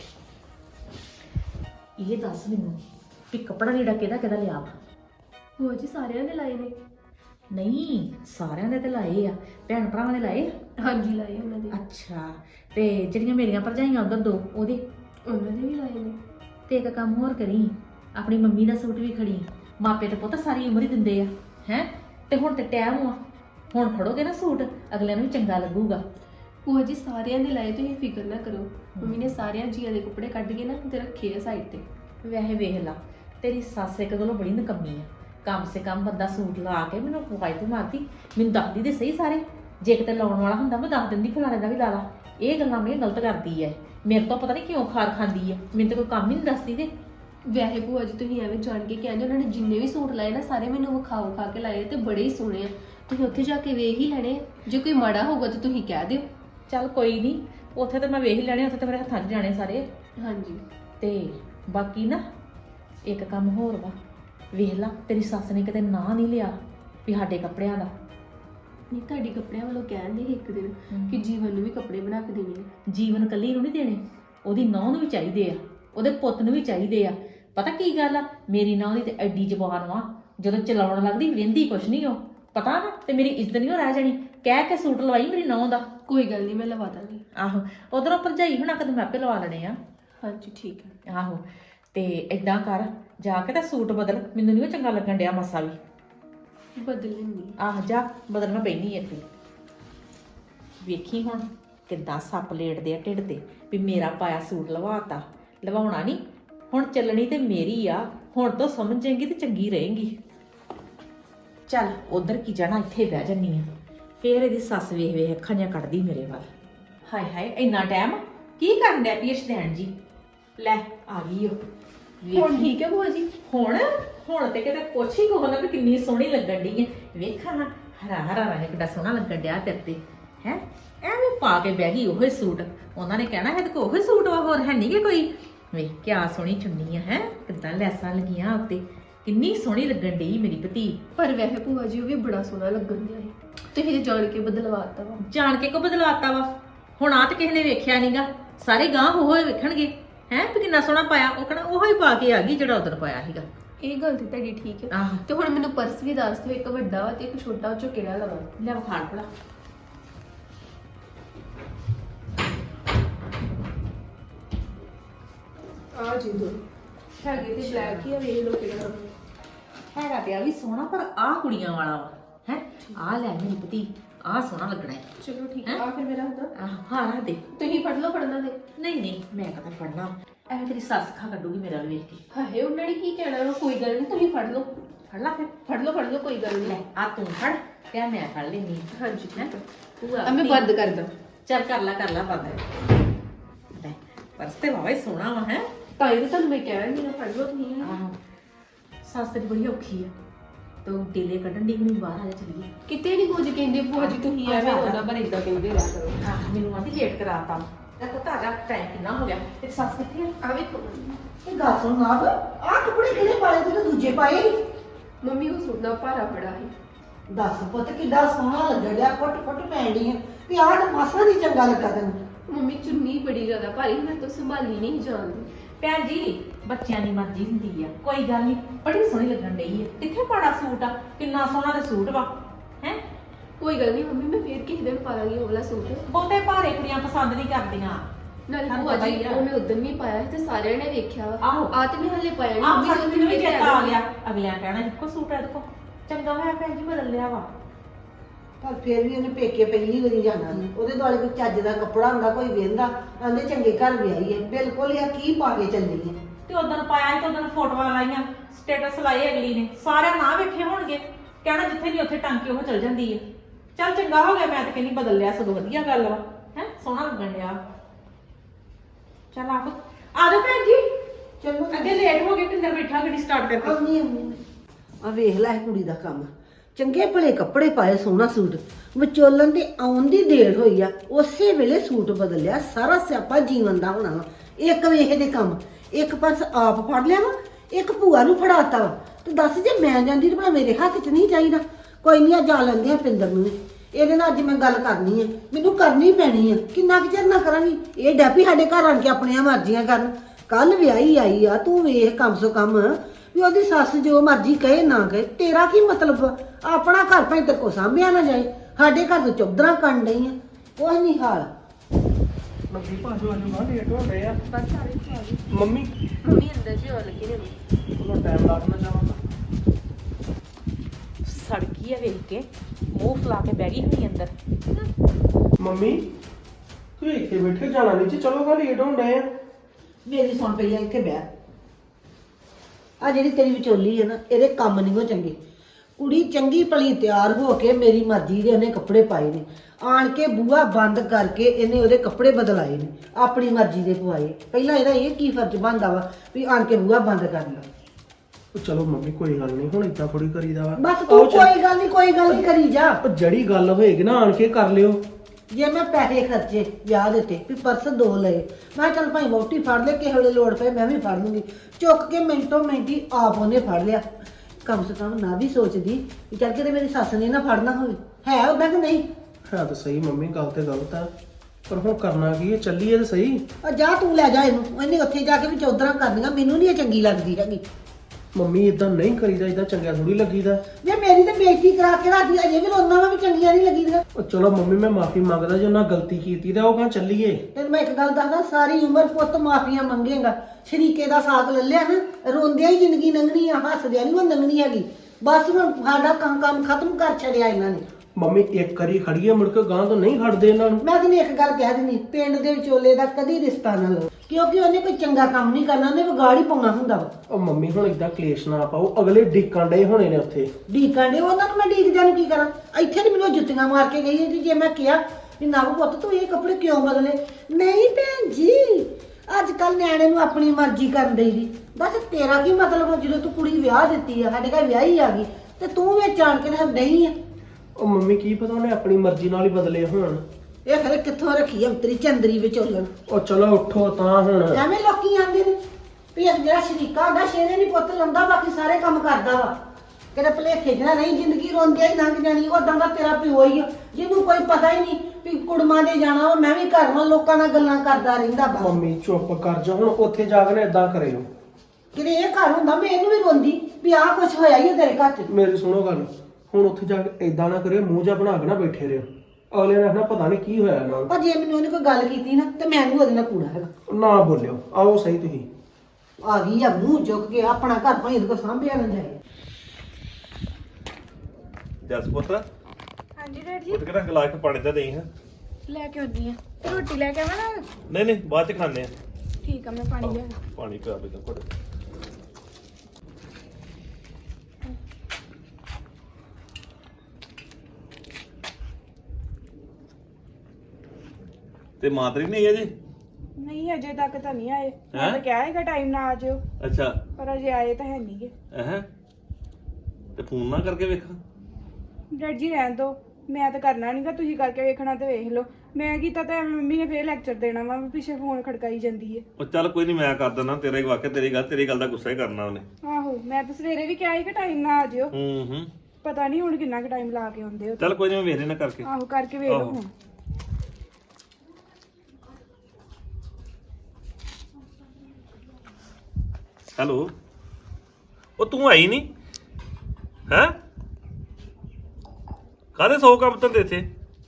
[SPEAKER 1] ਇਹ ਦੱਸ ਮੈਨੂੰ ਵੀ ਕੱਪੜਾ ਲੀੜਾ ਕਿਹਦਾ ਕਿਹਦਾ ਲਿਆ ਵਾ?
[SPEAKER 3] ਭੂਆ ਜੀ ਸਾਰਿਆਂ ਦੇ ਲਾਏ ਨੇ।
[SPEAKER 1] ਨਹੀਂ ਸਾਰਿਆਂ ਦੇ ਤੇ ਲਾਏ ਆ, ਭੈਣ ਭਰਾਵਾਂ ਦੇ ਲਾਏ ਆ?
[SPEAKER 3] ਹਾਂਜੀ ਲਾਏ ਉਹਨਾਂ ਦੇ।
[SPEAKER 1] ਅੱਛਾ, ਤੇ ਜਿਹੜੀਆਂ ਮੇਰੀਆਂ ਭਰਜਾਈਆਂ ਉਧਰ ਦੋ, ਉਹਦੇ
[SPEAKER 3] ਉਹਨਾਂ ਦੇ ਵੀ ਲਾਏ ਨੇ।
[SPEAKER 1] ਤੇ ਇੱਕ ਕੰਮ ਹੋਰ ਕਰੀ, ਆਪਣੀ ਮੰਮੀ ਦਾ ਸੂਟ ਵੀ ਖੜੀ। ਮਾਪੇ ਤੇ ਪੁੱਤ ਸਾਰੀ ਉਮਰ ਹੀ ਦਿੰਦੇ ਆ ਹੈ, ਤੇ ਹੁਣ ਤੇ ਟਾਈਮ ਆ, ਹੁਣ ਖੜੋਗੇ ਨਾ ਸੂਟ, ਅਗਲਿਆਂ ਨੂੰ ਵੀ ਚੰਗਾ ਲੱਗੂਗਾ।
[SPEAKER 3] ਭੂਆ ਜੀ ਸਾਰਿਆਂ ਦੇ ਲਾਏ, ਤੁਸੀਂ ਫਿਕਰ ਨਾ ਕਰੋ। ਮੰਮੀ ਨੇ ਸਾਰਿਆਂ ਜੀਆਂ ਦੇ ਕੱਪੜੇ ਕੱਢ ਕੇ ਨਾ ਤੇ ਰੱਖੇ ਆ ਸਾਈਡ ਤੇ।
[SPEAKER 1] ਵੈਸੇ ਵੇਖ ਲਾ, ਤੇਰੀ ਸੱਸ ਇੱਕ ਗੱਲੋਂ ਬੜੀ ਨਕੰਮੀ ਆ। ਕਮ ਸੇ ਕਮ ਬੰਦਾ ਸੂਟ ਲਾ ਕੇ ਮੈਨੂੰ ਫਵਾਈ ਤੋਂ ਮਾਰਦੀ, ਮੈਨੂੰ ਦੱਸਦੀ ਤੇ ਸਹੀ ਸਾਰੇ। ਜੇ ਕਿਤੇ ਲਾਉਣ ਵਾਲਾ ਹੁੰਦਾ ਮੈਂ ਦੱਸ ਦਿੰਦੀ, ਫਲਾਣੇ ਦਾ ਵੀ ਲਾ ਲਾ। ਇਹ ਗੱਲਾਂ ਮੈਨੂੰ ਗਲਤ ਕਰਦੀ ਐ, ਮੇਰੇ ਤੋਂ ਪਤਾ ਨਹੀਂ ਕਿਉਂ ਖਾਰ ਖਾਂਦੀ ਐ, ਮੈਨੂੰ ਤਾਂ ਕੋਈ ਕੰਮ ਹੀ ਨਹੀਂ ਦੱਸਦੀ। ਤੇ
[SPEAKER 3] ਵੈਸੇ ਭੂਆ ਜੀ ਤੁਸੀਂ ਐਵੇਂ ਜਾਣ ਕੇ ਕਹਿੰਦੇ, ਉਹਨਾਂ ਨੇ ਜਿੰਨੇ ਵੀ ਸੂਟ ਲਾਏ ਨਾ ਸਾਰੇ ਮੈਨੂੰ ਵਿਖਾ ਵਿਖਾ ਕੇ ਲਾਏ ਤੇ ਬੜੇ ਹੀ ਸੋਹਣੇ ਆ। ਤੁਸੀਂ ਉੱਥੇ ਜਾ ਕੇ ਵੇਖ ਹੀ ਲੈਣੇ ਆ। ਜੇ ਕੋਈ ਮਾੜਾ ਹੋਊਗਾ ਤਾਂ ਤੁਸੀਂ ਕਹਿ ਦਿਓ।
[SPEAKER 1] ਚੱਲ ਕੋਈ ਨਹੀਂ, ਉੱਥੇ ਤਾਂ ਮੈਂ ਵੇਖ ਹੀ ਲੈਣੇ, ਉੱਥੇ ਤਾਂ ਮੇਰੇ ਹੱਥਾਂ 'ਚ ਜਾਣੇ ਸਾਰੇ।
[SPEAKER 3] ਹਾਂਜੀ
[SPEAKER 1] ਤੇ ਬਾਕੀ ਨਾ ਇੱਕ ਕੰਮ ਹੋਰ ਵਾ, ਵੇਖ ਲਾ ਤੇਰੀ ਸੱਸ ਨੇ ਕਿਤੇ ਨਾਂ ਨਹੀਂ ਲਿਆ ਵੀ ਸਾਡੇ ਕੱਪੜਿਆਂ ਦਾ।
[SPEAKER 3] ਨਹੀਂ ਤੁਹਾਡੇ ਕੱਪੜਿਆਂ ਵੱਲੋਂ ਕਹਿੰਦੇ ਸੀ ਇੱਕ ਦਿਨ
[SPEAKER 1] ਹਮ।
[SPEAKER 3] ਕਿ ਜੀਵਨ ਨੂੰ ਵੀ ਕੱਪੜੇ ਬਣਾ ਕੇ ਦੇਣੇ ਨੇ।
[SPEAKER 1] ਜੀਵਨ ਕੱਲੀ ਨੂੰ ਨਹੀਂ ਦੇਣੇ, ਉਹਦੀ ਨੌਂ ਨੂੰ ਵੀ ਚਾਹੀਦੇ ਆ, ਉਹਦੇ ਪੁੱਤ ਨੂੰ ਵੀ ਚਾਹੀਦੇ ਆ। ਪਤਾ ਕੀ ਗੱਲ ਆ, ਮੇਰੀ ਨੌਂ ਦੀ ਤੇ ਐਡੀ ਜ਼ਬਾਨ ਵਾ, ਜਦੋਂ ਚਲਾਉਣ ਲੱਗਦੀ ਵੇਂਦੀ ਕੁਛ ਨਹੀਂ ਉਹ, ਪਤਾ ਨਾ, ਤੇ ਮੇਰੀ ਇੱਜ਼ਤ ਨਹੀਂ ਉਹ ਰਹਿ ਜਾਣੀ। ਕਹਿ ਕੇ ਸੂਟ ਲਵਾਈ ਮੇਰੀ ਨੌਂ ਦਾ।
[SPEAKER 3] ਕੋਈ ਗੱਲ ਨਹੀਂ, ਮੈਂ ਲਵਾ ਦਾਂਗੀ।
[SPEAKER 1] ਆਹੋ, ਉਧਰੋਂ ਭਰਜਾਈ ਹੋਣਾ ਕਦੇ ਮੈਂ ਆਪੇ ਲਵਾ ਲੈਣੇ ਆ।
[SPEAKER 3] ਹਾਂਜੀ ਠੀਕ ਹੈ।
[SPEAKER 1] ਆਹੋ, ਤੇ ਏਦਾਂ ਕਰ, ਜਾ ਕੇ ਤਾਂ ਸੂਟ ਬਦਲ, ਮੈਨੂੰ ਨਹੀਂ ਉਹ ਚੰਗਾ ਲੱਗਣ ਡਿਆ ਮਾਸਾ ਵੀ।
[SPEAKER 3] ਬਦਲ ਲੈਂਦੀ ਹਾਂ।
[SPEAKER 1] ਆਹ ਜਾ ਬਦਲ, ਮੈਂ ਬੈਣੀ ਇੱਥੇ। ਵੇਖੀ ਹੁਣ ਕਿੱਦਾਂ ਸੱਪ ਲੇਟਦੇ ਆ ਢਿੱਡ ਤੇ ਵੀ ਮੇਰਾ ਪਾਇਆ ਸੂਟ ਲਵਾਤਾ। ਲਵਾਉਣਾ ਨਹੀਂ, ਹੁਣ ਚੱਲਣੀ ਤੇ ਮੇਰੀ ਆ, ਹੁਣ ਤੋਂ ਸਮਝੇਂਗੀ ਤੇ ਚੰਗੀ ਰਹੇਂਗੀ। ਚੱਲ ਉਧਰ ਕੀ ਜਾਣਾ, ਇੱਥੇ ਬਹਿ ਜੰਨੀ ਆ। ਫੇਰ ਇਹਦੀ ਸੱਸ ਵੇਖ ਵੇਖ ਅੱਖਾਂ ਜਿਹੀਆਂ ਕੱਢਦੀ ਮੇਰੇ ਵੱਲ। ਹਾਏ ਹਾਏ, ਇੰਨਾ ਟਾਈਮ ਕੀ ਕਰਨ ਡਿਆ ਪੀਸ਼ ਦੇਣ ਜੀ? ਲੈ ਆ ਗਈ ਉਹ।
[SPEAKER 3] ਹੁਣ ਠੀਕ ਹੈ ਭੂਆ ਜੀ?
[SPEAKER 1] ਹੁਣ ਹੁਣ ਤੇ ਕਿਤੇ ਪੁੱਛ ਹੀ ਕੋਹ ਨਾ ਵੀ ਕਿੰਨੀ ਸੋਹਣੀ ਲੱਗਣ ਡਈ ਹੈ। ਵੇਖਾਂ ਨਾ, ਹਰਾ ਹਰਾ ਰੰਗ ਕਿੱਡਾ ਸੋਹਣਾ ਲੱਗਣ ਡਿਆ ਤੇਰੇ ਤੇ ਹੈ। ਐਵੇਂ ਪਾ ਕੇ ਬਹਿ ਗਈ ਉਹੀ ਸੂਟ, ਉਹਨਾਂ ਨੇ ਕਹਿਣਾ ਇਹਦੇ ਕੋਲ ਉਹੀ ਸੂਟ ਵਾ, ਹੋਰ ਹੈ ਨਹੀਂ ਕਿ ਕੋਈ। ਵੇਖ ਕਿਆ ਸੋਹਣੀ ਚੁੰਨੀ ਆ, ਹੈ ਕਿੱਦਾਂ ਲੈਸਾਂ ਲੱਗੀਆਂ ਉੱਤੇ, ਕਿੰਨੀ ਸੋਹਣੀ ਲੱਗਣ ਡਈ ਮੇਰੀ ਭਤੀ।
[SPEAKER 3] ਪਰ ਵੈਸੇ ਭੂਆ ਜੀ ਉਹ ਵੀ ਬੜਾ ਸੋਹਣਾ ਲੱਗਣ ਡਿਆ ਹੈ। ਤੁਸੀਂ ਤੇ ਜਾਣ ਕੇ ਬਦਲਵਾਤਾ ਵਾ।
[SPEAKER 1] ਜਾਣ ਕੇ ਕੋ ਬਦਲਾਤਾ ਵਾ? ਹੁਣ ਆ ਤੇ ਕਿਸੇ ਨੇ ਵੇਖਿਆ ਨਹੀਂਗਾ, ਸਾਰੇ ਗਾਂਹ ਉਹ ਵੇਖਣਗੇ ਹੈ ਵੀ ਕਿੰਨਾ ਸੋਹਣਾ ਪਾਇਆ। ਉਹ ਕਹਿਣਾ ਉਹੋ ਹੀ ਪਾ ਕੇ ਆ ਗਈ ਜਿਹੜਾ ਉਦੋਂ ਪਾਇਆ ਸੀਗਾ।
[SPEAKER 3] ਇਹ ਗੱਲ ਤੇ ਤੁਹਾਡੀ ਠੀਕ ਹੈ।
[SPEAKER 1] ਆਹੋ
[SPEAKER 3] ਤੇ ਹੁਣ ਮੈਨੂੰ ਪਰਸ ਵੀ ਦੱਸ ਦਿਓ, ਇੱਕ ਵੱਡਾ ਵਾ ਤੇ ਇੱਕ ਛੋਟਾ, ਉਹ ਚੋਂ ਕਿਹੜਾ ਲਵਾਂ?
[SPEAKER 1] ਲੈ ਵਿਖਾੜ ਭਲਾ।
[SPEAKER 3] ਆ ਜੀ ਦੋ ਹੈਗੇ ਤੇ ਬਲੈਕ ਹੀ ਆ, ਵੇਖ ਲਓ ਕਿਹੜਾ ਲਵਾਂ।
[SPEAKER 1] ਹੈਗਾ ਤੇ ਆ ਵੀ ਸੋਹਣਾ, ਪਰ ਆ ਕੁੜੀਆਂ ਵਾਲਾ ਵਾ ਹੈ। ਆ ਲੈ ਮੇਰੀ ਪਤੀ, ਆ ਸੋਹਣਾ ਲੱਗਣਾ ਹੈ।
[SPEAKER 3] ਚਲੋ ਠੀਕ ਹੈ,
[SPEAKER 1] ਹੈਂ?
[SPEAKER 3] ਆ ਫਿਰ ਮੇਰਾ ਹੁੰਦਾ।
[SPEAKER 1] ਆਹ ਹਾਂ ਰੱਖ ਦੇ।
[SPEAKER 3] ਤੁਸੀਂ ਫੜ ਲਓ ਫੜਨਾ ਦੇ।
[SPEAKER 1] ਨਹੀਂ ਨਹੀਂ ਮੈਂ ਕਦਾ ਫੜਨਾ, ਐਵੇਂ ਤੇਰੀ ਸੱਸ ਖਾ ਕੱਢੂਗੀ ਮੇਰਾ ਵੇਖ ਕੇ।
[SPEAKER 3] ਹਾਏ ਉਹਨਾਂ ਨੇ ਕੀ ਕਹਿਣਾ ਵਾ? ਕੋਈ ਗੱਲ ਨਹੀਂ, ਤੁਸੀਂ ਫੜ ਲਓ
[SPEAKER 1] ਫੜ ਲਾ ਫਿਰ।
[SPEAKER 3] ਫੜ ਲਓ ਫੜ ਲਓ ਕੋਈ ਗੱਲ
[SPEAKER 1] ਲੈ
[SPEAKER 3] ਨਹੀਂ।
[SPEAKER 1] ਆ ਤੂੰ ਫੜ ਤੇ ਆ ਮੈਂ ਫੜ ਲੈਨੀ ਆਂ।
[SPEAKER 3] ਹਾਂਜੀ
[SPEAKER 1] ਹੈਂ?
[SPEAKER 3] ਠੀਕ ਹੈ।
[SPEAKER 1] ਤੂੰ
[SPEAKER 3] ਆ ਮੈਂ ਬੰਦ ਕਰ ਦਾਂ।
[SPEAKER 1] ਚੱਲ ਕਰ ਲਾ ਕਰ ਲਾ ਬੰਦ। ਲੈ ਪਰਸ ਤੇ ਵਾਵਾ ਹੀ ਸੋਹਣਾ ਵਾ ਹੈ।
[SPEAKER 3] ਤਾਂ ਇਹ ਤਾਂ ਤੁਹਾਨੂੰ ਮੈਂ ਕਹਿ ਨਹੀਂ ਫੜ ਲਓ ਤੁਸੀਂ।
[SPEAKER 1] ਆਹੋ ਸੱਸ ਤੇਰੀ ਬੜੀ ਔਖੀ ਆ, ਤੂੰ ਟੇਲੇ ਕੱਢਣ ਦੀ ਮੈਨੂੰ ਬਾਹਰ ਆ ਜਾ ਚਲੀਏ।
[SPEAKER 3] ਕਿਤੇ ਨਹੀਂ ਕੁਝ ਕਹਿੰਦੇ ਭੂਆ ਜੀ, ਤੁਸੀਂ
[SPEAKER 1] ਆ ਜਾ,
[SPEAKER 3] ਐਵੇਂ
[SPEAKER 1] ਆ ਜਾ।
[SPEAKER 3] ਉਹਨਾਂ ਪਰ ਇਦਾਂ ਕਹਿੰਦੇ ਰਹਿ ਕਰੋ।
[SPEAKER 1] ਆਹ ਮੈਨੂੰ ਆਂਦੀ ਲੇਟ ਕਰਾਤਾ। ਤੇ ਪੁੱਤ ਆ ਜਾ, ਟਾਈਮ ਕਿੰਨਾ ਹੋ ਗਿਆ। ਤੇਰੀ ਸੱਸ ਕਿੱਥੇ ਆ?
[SPEAKER 3] ਆ ਵੇਖੋ
[SPEAKER 4] ਇਹ ਗੱਲ ਸੁਣ ਨਾ ਆ ਕੱਪੜੇ ਕਿਹੜੇ ਪਾਏ ਤੂੰ ਦੂਜੇ ਪਾਏ ਨੀ?
[SPEAKER 3] ਮੰਮੀ, ਉਹ ਸੂਟ ਦਾ ਭਾਰਾ ਬੜਾ ਹੈ।
[SPEAKER 4] ਦੱਸ ਪੁੱਤ ਕਿੱਡਾ ਸੋਹਣਾ ਲੱਗਣ ਡਿਆ, ਫੁੱਟ ਫੁੱਟ ਪੈਂਦੀ ਆ ਵੀ ਆਹ ਤਾਂ ਮਾਸਾ ਨਹੀਂ ਚੰਗਾ ਲੱਗਾ ਤੈਨੂੰ।
[SPEAKER 3] ਮੰਮੀ ਚੁੰਨੀ ਬੜੀ ਜ਼ਿਆਦਾ ਭਾਰੀ, ਮੈਂ ਤਾਂ ਸੰਭਾਲੀ ਨਹੀਂ ਜਾਂਦੀ।
[SPEAKER 1] ਭੈਣ ਜੀ ਬੱਚਿਆਂ ਦੀ ਮਰਜ਼ੀ ਹੁੰਦੀ ਆ, ਕੋਈ ਗੱਲ ਨਹੀਂ। ਬੜੀ ਸੋਹਣੀ ਲੱਗਣ ਡਈ ਆ। ਕਿੱਥੇ ਪਾੜਾ ਸੂਟ ਆ, ਕਿੰਨਾ ਸੋਹਣਾ ਤੇ ਸੂਟ ਵਾ ਹੈ।
[SPEAKER 3] ਕੋਈ ਗੱਲ ਨਹੀਂ ਮੰਮੀ, ਮੈਂ ਫੇਰ ਕਿਸੇ ਦਿਨ ਪਾ ਲਾਂਗੀ ਉਹ ਵਾਲਾ ਸੂਟ।
[SPEAKER 1] ਬਹੁਤੇ ਭਾਰੇ ਕੁੜੀਆਂ ਪਸੰਦ ਨਹੀਂ ਕਰਦੀਆਂ।
[SPEAKER 3] ਨਾਲੇ
[SPEAKER 1] ਤੁਹਾਨੂੰ
[SPEAKER 3] ਭੂਆ
[SPEAKER 1] ਪਤਾ
[SPEAKER 3] ਜੀ
[SPEAKER 1] ਹੀ ਆ।
[SPEAKER 3] ਉਹ ਮੈਂ ਉਦੋਂ ਵੀ ਪਾਇਆ ਸੀ ਤੇ ਸਾਰਿਆਂ ਨੇ ਵੇਖਿਆ ਵਾ।
[SPEAKER 1] ਆਹੋ।
[SPEAKER 3] ਆ ਤੇ ਮੈਂ ਹਲੇ ਪਾਇਆ ਨਹੀਂ।
[SPEAKER 1] ਆਹ
[SPEAKER 3] ਮੰਮੀ
[SPEAKER 1] ਸੱਚ ਮੈਨੂੰ ਵੀ
[SPEAKER 3] ਮੇਰੇ
[SPEAKER 1] ਚੇਤਾ ਆ
[SPEAKER 3] ਧਿਆਨ
[SPEAKER 1] ਗਿਆ। ਅਗਲਿਆਂ ਕਹਿਣਾ ਇੱਕੋ ਸੂਟ ਹੈ ਦੇਖੋ, ਚੰਗਾ ਹੋਇਆ ਭੈਣ ਜੀ ਬਦਲ ਲਿਆ ਵਾ।
[SPEAKER 4] ਪਰ ਫਿਰ ਵੀ ਉਹਨੇ ਪੇਕੇ ਪਹਿਲੀ ਵਾਰੀ ਜਾਣਾ ਸੀ, ਉਹਦੇ ਦੁਆਲੇ ਕੋਈ ਚੱਜ ਦਾ ਕੱਪੜਾ ਹੁੰਦਾ, ਕੋਈ ਵੇਂਦਾ ਆਂਦੇ ਚੰਗੇ ਘਰ ਵਿਆਹੀ ਹੈ। ਬਿਲਕੁਲ ਇਹ ਕੀ ਪਾ ਕੇ ਚੱਲੀ ਹੈ।
[SPEAKER 1] ਤੇ ਉਦੋਂ ਪਾਇਆ ਸੀ ਤੇ ਉਦੋਂ ਫੋਟੋਆਂ ਲਾਈਆਂ, ਸਟੇਟਸ ਲਾਏ ਅਗਲੀ ਨੇ, ਸਾਰਿਆਂ ਨਾ ਵੇਖੇ ਹੋਣਗੇ, ਕਹਿਣਾ ਜਿੱਥੇ ਨਹੀਂ ਉੱਥੇ ਟੰਕੀ ਉਹ ਚਲ ਜਾਂਦੀ ਹੈ। ਚੱਲ ਚੰਗਾ ਹੋ ਗਿਆ, ਮੈਂ ਤਾਂ ਕਹਿੰਦੀ ਬਦਲ ਲਿਆ, ਸਗੋਂ ਵਧੀਆ ਗੱਲ ਵਾ ਹੈ, ਸੋਹਣਾ ਲੱਗਣ ਡਿਆ। ਚੱਲ ਆਪ ਆ ਜਾਓ ਭੈਣ ਜੀ,
[SPEAKER 4] ਚਲੋ
[SPEAKER 1] ਅੱਗੇ ਲੇਟ ਹੋ ਗਏ, ਕਿੰਦਰ ਬੈਠਾ ਗੱਡੀ ਸਟਾਰਟ ਕਰਕੇ।
[SPEAKER 4] ਆਉਣੀ ਆਉਣੀ ਆ ਵੇਖ ਲੈ ਇਹ ਕੁੜੀ ਦਾ ਕੰਮ, ਚੰਗੇ ਭਲੇ ਕੱਪੜੇ ਪਾਏ, ਸੋਹਣਾ ਸੂਟ, ਵਿਚੋਲਨ ਤੇ ਆਉਣ ਦੀ ਦੇਰ ਹੋਈ ਆ, ਉਸੇ ਵੇਲੇ ਸੂਟ ਬਦਲਿਆ। ਸਾਰਾ ਸਿਆਪਾ ਜੀਵਨ ਦਾ ਹੋਣਾ ਵਾ। ਇੱਕ ਵੇਖ ਦੇ ਕੰਮ, ਇੱਕ ਪਰਸ ਆਪ ਫੜ ਲਿਆ ਵਾ, ਇੱਕ ਭੂਆ ਨੂੰ ਫੜਾਤਾ ਵਾ। ਤੇ ਦੱਸ ਜੇ ਮੈਂ ਜਾਂਦੀ ਤੇ ਭਲਾ ਮੇਰੇ ਹੱਥ 'ਚ ਨਹੀਂ ਚਾਹੀਦਾ। ਕੋਈ ਨਹੀਂ ਆ ਜਾ ਲੈਂਦੇ ਆ ਪਿੰਦਰ ਨੂੰ, ਇਹਦੇ ਨਾਲ ਅੱਜ ਮੈਂ ਗੱਲ ਕਰਨੀ ਹੈ, ਮੈਨੂੰ ਕਰਨੀ ਪੈਣੀ ਆ। ਕਿੰਨਾ ਕੁ ਚਿਰ ਨਾ ਕਰਾਂਗੀ, ਇਹ ਡੈਪੀ ਸਾਡੇ ਘਰ ਆਣ ਕੇ ਆਪਣੀਆਂ ਮਰਜ਼ੀਆਂ ਕਰਨ। ਕੱਲ ਵਿਆਹੀ ਆਈ ਆ, ਤੂੰ ਵੇਖ ਕਮ ਸੋ ਕਮ ਵੀ ਉਹਦੀ ਸੱਸ ਜੋ ਮਰਜ਼ੀ ਕਹੇ ਨਾ ਕਹੇ, ਤੇਰਾ ਕੀ ਮਤਲਬ? ਆਪਣਾ ਘਰ ਭਾਈ ਤੇ ਕੋ ਸਾਂਭਿਆ ਨਾ ਜਾਏ, ਸਾਡੇ ਘਰ ਤੋਂ ਚੌਧਰਾਂ ਕਰਨ ਡਈ ਆ। ਕੁਛ ਨਹੀਂ ਹਾਲ।
[SPEAKER 5] ਮੰਮੀ ਭਾਜੋ ਆਜੋ ਨਾ, ਲੇਟ ਹੋ ਰਹੇ ਆ।
[SPEAKER 3] ਬਸ ਸਾਰੇ ਖਾ ਗਏ।
[SPEAKER 5] ਮੰਮੀ
[SPEAKER 3] ਮੰਮੀ ਅੰਦਰ ਜੀ ਆਉਣ ਲੱਗੇ ਨੇ।
[SPEAKER 5] ਉਹਨੂੰ ਟਾਈਮ ਲੱਗਣਾ ਚਾਹਾਂਗਾ।
[SPEAKER 1] ਸੜਕੀ ਆ ਵੇਖ ਕੇ, ਮੂੰਹ ਫਲਾ ਕੇ ਬਹਿ ਗਈ ਹੋਣੀ ਅੰਦਰ।
[SPEAKER 5] ਮੰਮੀ ਤੂੰ ਇੱਥੇ ਬੈਠੇ, ਜਾਣਾ ਨਹੀਂ, ਚਲੋ ਗਾ, ਲੇਟ ਹੋਣ ਡਏ ਆ।
[SPEAKER 4] ਮੇਰੀ ਸੁਣ ਪਈ ਆ, ਇੱਥੇ ਬਹਿ। ਆ ਜਿਹੜੀ ਤੇਰੀ ਵਿਚੋਲੀ ਹੈ ਨਾ, ਇਹਦੇ ਕੰਮ ਨਹੀਂ ਉਹ ਚੰਗੇ। ਕੁੜੀ ਚੰਗੀ ਭਲੀ ਤਿਆਰ ਹੋ ਕੇ ਮੇਰੀ ਮਰਜ਼ੀ ਦੇ ਉਹਨੇ ਕੱਪੜੇ ਪਾਏ ਨੇ, ਆਣ ਕੇ ਬੂਹਾ ਬੰਦ ਕਰਕੇ ਇਹਨੇ ਉਹਦੇ ਕੱਪੜੇ ਬਦਲਾਏ ਨੇ, ਆਪਣੀ ਮਰਜ਼ੀ ਦੇ ਪਵਾਏ। ਪਹਿਲਾਂ ਇਹਦਾ ਇਹ ਕੀ ਫਰਜ਼ ਬਣਦਾ ਵਾ ਵੀ ਆਣ ਕੇ ਬੂਹਾ ਬੰਦ ਕਰ ਲਾ।
[SPEAKER 5] ਉਹ ਚਲੋ ਮੰਮੀ ਕੋਈ ਗੱਲ ਨਹੀਂ, ਹੁਣ ਏਦਾਂ ਥੋੜੀ ਕਰੀਦਾ ਵਾ।
[SPEAKER 4] ਬਸ ਤੂੰ
[SPEAKER 5] ਉਹ ਚ-
[SPEAKER 4] ਕੋਈ ਗੱਲ ਨਹੀਂ, ਕੋਈ ਗੱਲ ਨਹੀਂ ਕਰੀ ਜਾ।
[SPEAKER 5] ਉਹ ਜਿਹੜੀ ਗੱਲ ਹੋਏਗੀ ਨਾ ਆਣ ਕੇ ਕਰ ਲਿਓ।
[SPEAKER 4] ਜੇ ਮੈਂ ਪੈਸੇ ਖਰਚੇ ਵਿਆਹ ਦੇ ਤੇ ਵੀ ਪਰਸ ਦੋ ਲਏ, ਮੈਂ ਕਿਹਾ ਚੱਲ ਭਾਈ ਵਹੁਟੀ ਫੜ ਲੈ, ਕਿਸੇ ਵੇਲੇ ਲੋੜ ਪਏ ਮੈਂ ਵੀ ਫੜ ਲੂੰਗੀ। ਚੁੱਕ ਕੇ ਮਿੰਟੋ ਮਿੰਟੀ ਆਪ ਉਹਨੇ ਫੜ ਲਿਆ। ਕਮ ਸੇ ਕਮ ਨਾ ਵੀ ਸੋਚਦੀ ਵੀ ਚੱਲ ਕਿਤੇ ਮੇਰੀ ਸੱਸ ਨੇ ਨਾ ਫੜਨਾ ਹੋਵੇ, ਹੈ ਉਦਾਂ ਕਿ ਨਹੀਂ?
[SPEAKER 5] ਹੈ ਤਾਂ ਸਹੀ ਮੰਮੀ, ਗੱਲ ਤੇ ਗਲਤ ਆ, ਪਰ ਹੁਣ ਕਰਨਾ ਕੀ ਹੈ, ਚੱਲੀਏ ਤਾਂ ਸਹੀ।
[SPEAKER 4] ਆ ਜਾ ਤੂੰ ਲੈ ਜਾ ਇਹਨੂੰ, ਇਹਨੇ ਉੱਥੇ ਜਾ ਕੇ ਵੀ ਚੌਧਰਾਂ ਕਰਨੀਆਂ, ਮੈਨੂੰ ਨਹੀਂ ਇਹ ਚੰਗੀ ਲੱਗਦੀ ਹੈਗੀ।
[SPEAKER 5] ਮੰਮੀ ਇਦਾਂ ਨਹੀਂ ਕਰੀਦਾ, ਇਦਾਂ ਚੰਗਾ ਥੋੜੀ ਲੱਗੀਦਾ।
[SPEAKER 4] ਜੇ ਮੇਰੀ ਤੇ ਬੇਇੱਜ਼ਤੀ ਕਰਾ ਕੇ ਰਾਜੀ ਅਜੇ ਵੀ ਉਹਨਾਂ ਵਾ ਵੀ ਚੰਗੀਆਂ ਨਹੀਂ ਲੱਗੀਆਂ।
[SPEAKER 5] ਉਹ ਚਲੋ ਮੰਮੀ ਮੈਂ ਮਾਫੀ ਮੰਗਦਾ, ਜੇ ਉਹਨਾਂ ਗਲਤੀ ਕੀਤੀ ਤਾਂ ਉਹ ਕਹਾਂ ਚੱਲੀਏ।
[SPEAKER 4] ਤੈਨੂੰ ਮੈਂ ਇੱਕ ਗੱਲ ਦੱਸਦਾ, ਸਾਰੀ ਉਮਰ ਪੁੱਤ ਮਾਫੀਆਂ ਮੰਗੇਗਾ, ਸ਼ਰੀਕੇ ਦਾ ਸਾਥ ਲੈ ਲਿਆ ਨਾ, ਰੋਂਦਿਆਂ ਹੀ ਜ਼ਿੰਦਗੀ ਲੰਘਣੀ ਆ, ਹੱਸਦਿਆਂ ਨਹੀਂ ਉਹ ਲੰਘਣੀ ਹੈਗੀ। ਬਸ ਹੁਣ ਸਾਡਾ ਕੰਮ ਕੰਮ ਖਤਮ ਕਰ ਛੱਡਿਆ ਇਹਨਾਂ ਨੇ।
[SPEAKER 5] ਮੰਮੀ ਇੱਕ ਵਾਰੀ ਖੜੀਏ, ਮੁੜ ਕੇ ਗਾਂ ਤੋਂ ਨਹੀਂ ਖੜਦੇ ਇਹਨਾਂ ਨੂੰ।
[SPEAKER 4] ਮੈਂ ਤੈਨੂੰ ਇੱਕ ਗੱਲ ਕਹਿ ਦਿੰਦੀ, ਪਿੰਡ ਦੇ ਵਿਚੋਲੇ ਦਾ ਕਦੀ ਰਿਸ਼ਤਾ ਨਾ ਲਓ, ਕਿਉਂਕਿ ਉਹਨੇ ਕੋਈ ਚੰਗਾ ਕੰਮ ਨਹੀਂ ਕਰਨਾ, ਉਹਨੇ ਵਿਗਾੜ ਹੀ ਪਾਉਣਾ ਹੁੰਦਾ ਵਾ।
[SPEAKER 5] ਉਹ ਮੰਮੀ ਹੁਣ ਇਦਾਂ ਕਲੇਸ਼ ਨਾ ਪਾਓ, ਅਗਲੇ ਡੀਕਾਂ ਡੇ ਹੋਣੇ ਨੇ ਉੱਥੇ।
[SPEAKER 4] ਡੀਕਾਂ ਦੇ ਉਹਨਾਂ ਨੂੰ ਮੈਂ ਡੀਕਦਿਆਂ ਨੂੰ ਕੀ ਕਰਾਂ? ਇੱਥੇ ਨਹੀਂ ਮੈਨੂੰ ਉਹ ਜੁੱਤੀਆਂ ਮਾਰ ਕੇ ਗਈ ਤੇ ਜੇ ਮੈਂ ਕਿਹਾ ਵੀ ਨਾ ਪੁੱਤ ਤੂੰ ਇਹ ਕੱਪੜੇ ਕਿਉਂ ਬਦਲੇ, ਨਹੀਂ ਭੈਣ ਜੀ ਅੱਜ ਕੱਲ ਨਿਆਣੇ ਨੂੰ ਆਪਣੀ ਮਰਜ਼ੀ ਕਰਨ ਦੇਈ ਦੀ। ਦੱਸ ਤੇਰਾ ਕੀ ਮਤਲਬ? ਜਦੋਂ ਤੂੰ ਕੁੜੀ ਵਿਆਹ ਦਿੱਤੀ ਆ, ਸਾਡੇ ਘਰ ਵਿਆਹੀ ਆ ਗਈ ਤੇ ਤੂੰ ਵਿੱਚ ਆਣ ਕੇ ਨਾ ਨਹੀਂ ਆ।
[SPEAKER 5] ਉਹ ਮੰਮੀ ਕੀ ਪਤਾ ਉਹਨੇ ਆਪਣੀ ਮਰਜ਼ੀ ਨਾਲ ਹੀ ਬਦਲੇ ਹੋਣ।
[SPEAKER 4] ਇਹ ਖਰੇ ਕਿੱਥੋਂ ਰੱਖੀ ਆ ਉਤਰੀ ਚੰਦਰੀ ਵਿਚੋਲਣ।
[SPEAKER 5] ਉਹ ਚਲੋ ਉੱਠੋ ਤਾਂ ਹੁਣ।
[SPEAKER 4] ਐਵੇਂ ਲੋਕੀ ਆਂਦੇ ਨੇ ਵੀ ਇਹ ਜਿਹੜਾ ਸ਼ਰੀਕਾ ਹੁੰਦਾ ਸ਼ੇਰੇ ਨਹੀਂ ਪੁੱਤ ਲਾਉਂਦਾ, ਬਾਕੀ ਸਾਰੇ ਕੰਮ ਕਰਦਾ ਵਾ। ਕਿਤੇ ਭੁਲੇਖੇ ਜਣਾ ਨਹੀਂ, ਜ਼ਿੰਦਗੀ ਰੋਂਦਿਆਂ ਹੀ ਲੰਘ ਜਾਣੀ। ਉਦਾਂ ਦਾ ਤੇਰਾ ਪਿਓ ਹੀ ਆ ਜਿਹਨੂੰ ਕੋਈ ਪਤਾ ਹੀ ਨਹੀਂ ਵੀ ਕੁੜਮਾਂ ਦੇ ਜਾਣਾ, ਉਹ ਮੈਂ ਵੀ ਘਰ ਨਾਲ ਲੋਕਾਂ ਨਾਲ ਗੱਲਾਂ ਕਰਦਾ ਰਹਿੰਦਾ ਬਸ।
[SPEAKER 5] ਮੰਮੀ ਚੁੱਪ ਕਰ ਜਾ ਹੁਣ, ਉੱਥੇ ਜਾ ਕੇ ਨਾ ਏਦਾਂ ਕਰਿਓ।
[SPEAKER 4] ਕਿਤੇ ਇਹ ਘਰ ਹੁੰਦਾ ਮੈਂ ਇਹਨੂੰ ਵੀ ਰੋਂਦੀ ਵੀ ਆਹ ਕੁਛ ਹੋਇਆ ਹੀ ਆ ਤੇਰੇ ਘਰ 'ਚ।
[SPEAKER 5] ਮੇਰੀ ਸੁਣੋ ਗੱਲ, ਹੁਣ ਉੱਥੇ ਜਾ ਕੇ ਏਦਾਂ ਨਾ ਕਰਿਓ, ਮੂੰਹ ਜਾ ਬਣਾ ਕੇ ਨਾ ਬੈਠੇ ਰਹੋ। ਅਗਲੇ ਨੇ ਆਖਣਾ ਪਤਾ ਨਹੀਂ ਕੀ ਹੋਇਆ ਨਾਲ।
[SPEAKER 4] ਪਰ ਜੇ ਮੈਨੂੰ ਉਹਨੇ ਕੋਈ ਗੱਲ ਕੀਤੀ ਨਾ ਤੇ ਮੈਂ ਵੀ ਉਹਦੇ ਨਾਲ ਕੂੜਾ ਹੈਗਾ।
[SPEAKER 5] ਨਾ ਬੋਲਿਓ, ਆਓ ਸਹੀ ਤੁਸੀਂ।
[SPEAKER 4] ਆ ਗਈ ਆ ਮੂੰਹ ਚੁੱਕ ਕੇ ਆਪਣਾ ਘਰ ਭਾਵੇਂ ਇਹਦੇ ਕੋਲ ਸਾਂਭਿਆ ਨਾ ਜਾਏ।
[SPEAKER 6] ਜਸ ਪੁੱਤ
[SPEAKER 2] ਹਾਂਜੀ ਡੈਡ ਜੀ
[SPEAKER 6] ਉੱਠ ਕੇ ਨਾ ਗਲਾਸ ਚ ਪਾਣੀ ਦਾ ਦੇਈ ਹਾਂ।
[SPEAKER 2] ਲੈ ਕੇ ਆਉਂਦੀ ਆ ਰੋਟੀ ਲੈ ਕੇ ਆਵਾਂ ਨਾ।
[SPEAKER 6] ਨਹੀਂ ਨਹੀਂ ਬਾਅਦ ਚ ਖਾਣੇ ਆ।
[SPEAKER 2] ਠੀਕ ਆ ਮੈਂ ਪਾਣੀ ਲਿਆ।
[SPEAKER 6] ਪਾਣੀ ਪਿਆ ਦੇ ਕੋਲ। ਤੇ ਮਾਤਰੀ ਨਹੀਂ ਹੈ ਜੀ?
[SPEAKER 2] ਨਹੀਂ ਅਜੇ ਤੱਕ ਤਾਂ ਨਹੀਂ ਆਏ। ਮੈਂ
[SPEAKER 6] ਹੈਂ?
[SPEAKER 2] ਤਾਂ ਕਿਹਾ ਹੈਗਾ ਟਾਈਮ ਨਾਲ ਆ ਜਿਓ,
[SPEAKER 6] ਅੱਛਾ
[SPEAKER 2] ਪਰ ਅਜੇ ਆਏ ਤਾਂ ਹੈ ਨਹੀਂਗੇ।
[SPEAKER 6] ਹੈ ਤੇ ਫੋਨ ਨਾ ਕਰਕੇ ਵੇਖਾਂ।
[SPEAKER 2] ਡੈਡ ਜੀ ਰਹਿਣ ਦੋ, ਮੈਂ ਤਾਂ ਕਰਨਾ ਨਹੀਂਗਾ, ਤੁਸੀਂ ਕਰਕੇ ਵੇਖਣਾ ਤੇ ਵੇਖ ਲਓ। ਮੈਂ ਕੀਤਾ ਤਾਂ ਐਵੇਂ ਮੰਮੀ ਨੇ ਫੇਰ ਲੈਕਚਰ ਦੇਣਾ ਵਾ ਵੀ ਪਿੱਛੇ ਫੋਨ ਖੜਕਾਈ ਜਾਂਦੀ ਹੈ।
[SPEAKER 6] ਉਹ ਚੱਲ ਕੋਈ ਨਹੀਂ, ਮੈਂ ਕਰ ਦਿੰਦਾ। ਤੇਰੇ ਵਾਕਿਆ ਤੇਰੀ ਗੱਲ ਤੇਰੀ ਗੱਲ ਦਾ ਗੁੱਸਾ ਹੀ ਕਰਨਾ ਉਹਨੇ।
[SPEAKER 2] ਆਹੋ ਮੈਂ ਤਾਂ ਸਵੇਰੇ ਵੀ ਕਿਹਾ ਸੀ ਕਿ ਟਾਈਮ ਨਾਲ ਆ ਜਿਓ,
[SPEAKER 6] ਹੂੰ ਹੂੰ
[SPEAKER 2] ਪਤਾ ਨਹੀਂ ਹੁਣ ਕਿੰਨਾ ਕੁ ਟਾਈਮ ਲਾ ਕੇ ਆਉਂਦੇ ਹੋ।
[SPEAKER 6] ਚੱਲ ਕੋਈ ਨਹੀਂ, ਮੈਂ ਵੇਖ ਲੈਣਾ ਕਰਕੇ।
[SPEAKER 2] ਆਹੋ ਕਰਕੇ ਵੇਖ ਲਓ
[SPEAKER 6] ਆਹੋ।
[SPEAKER 2] ਹੁਣ।
[SPEAKER 6] ਹੈਲੋ, ਉਹ ਤੂੰ ਆਈ ਨਹੀਂ ਹੈ? ਕਾਹਦੇ ਸੌ ਕੰਮ ਧੰਦੇ ਇੱਥੇ?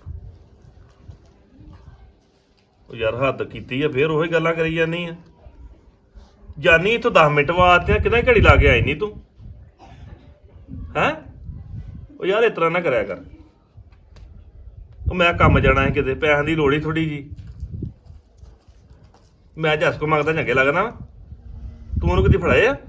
[SPEAKER 6] ਉਹ ਯਾਰ ਹੱਦ ਕੀਤੀ ਆ, ਫੇਰ ਉਹੀ ਗੱਲਾਂ ਕਰੀ ਜਾਂਦੀ ਆ। ਜਾਨੀ ਇੱਥੋਂ ਦਸ ਮਿੰਟ ਬਾਅਦ ਤੇ ਕਿੰਨਾ ਘੜੀ ਲਾ ਕੇ ਆਈ ਨਹੀਂ ਤੂੰ ਹੈ? ਉਹ ਯਾਰ ਇਸ ਤਰ੍ਹਾਂ ਨਾ ਕਰਿਆ ਕਰ। ਉਹ ਮੈਂ ਕੰਮ ਜਾਣਾ ਹੈ ਕਿਤੇ, ਪੈਸਿਆਂ ਦੀ ਲੋੜ ਹੀ ਥੋੜੀ ਜੀ। ਮੈਂ ਜੱਸ ਕੋ ਮੰਗਦਾ ਚੰਗੇ ਲੱਗਦਾ ਵਾ? ਤੂੰ ਉਹਨੂੰ ਕਿਤੇ ਫੜਾਏ ਆ?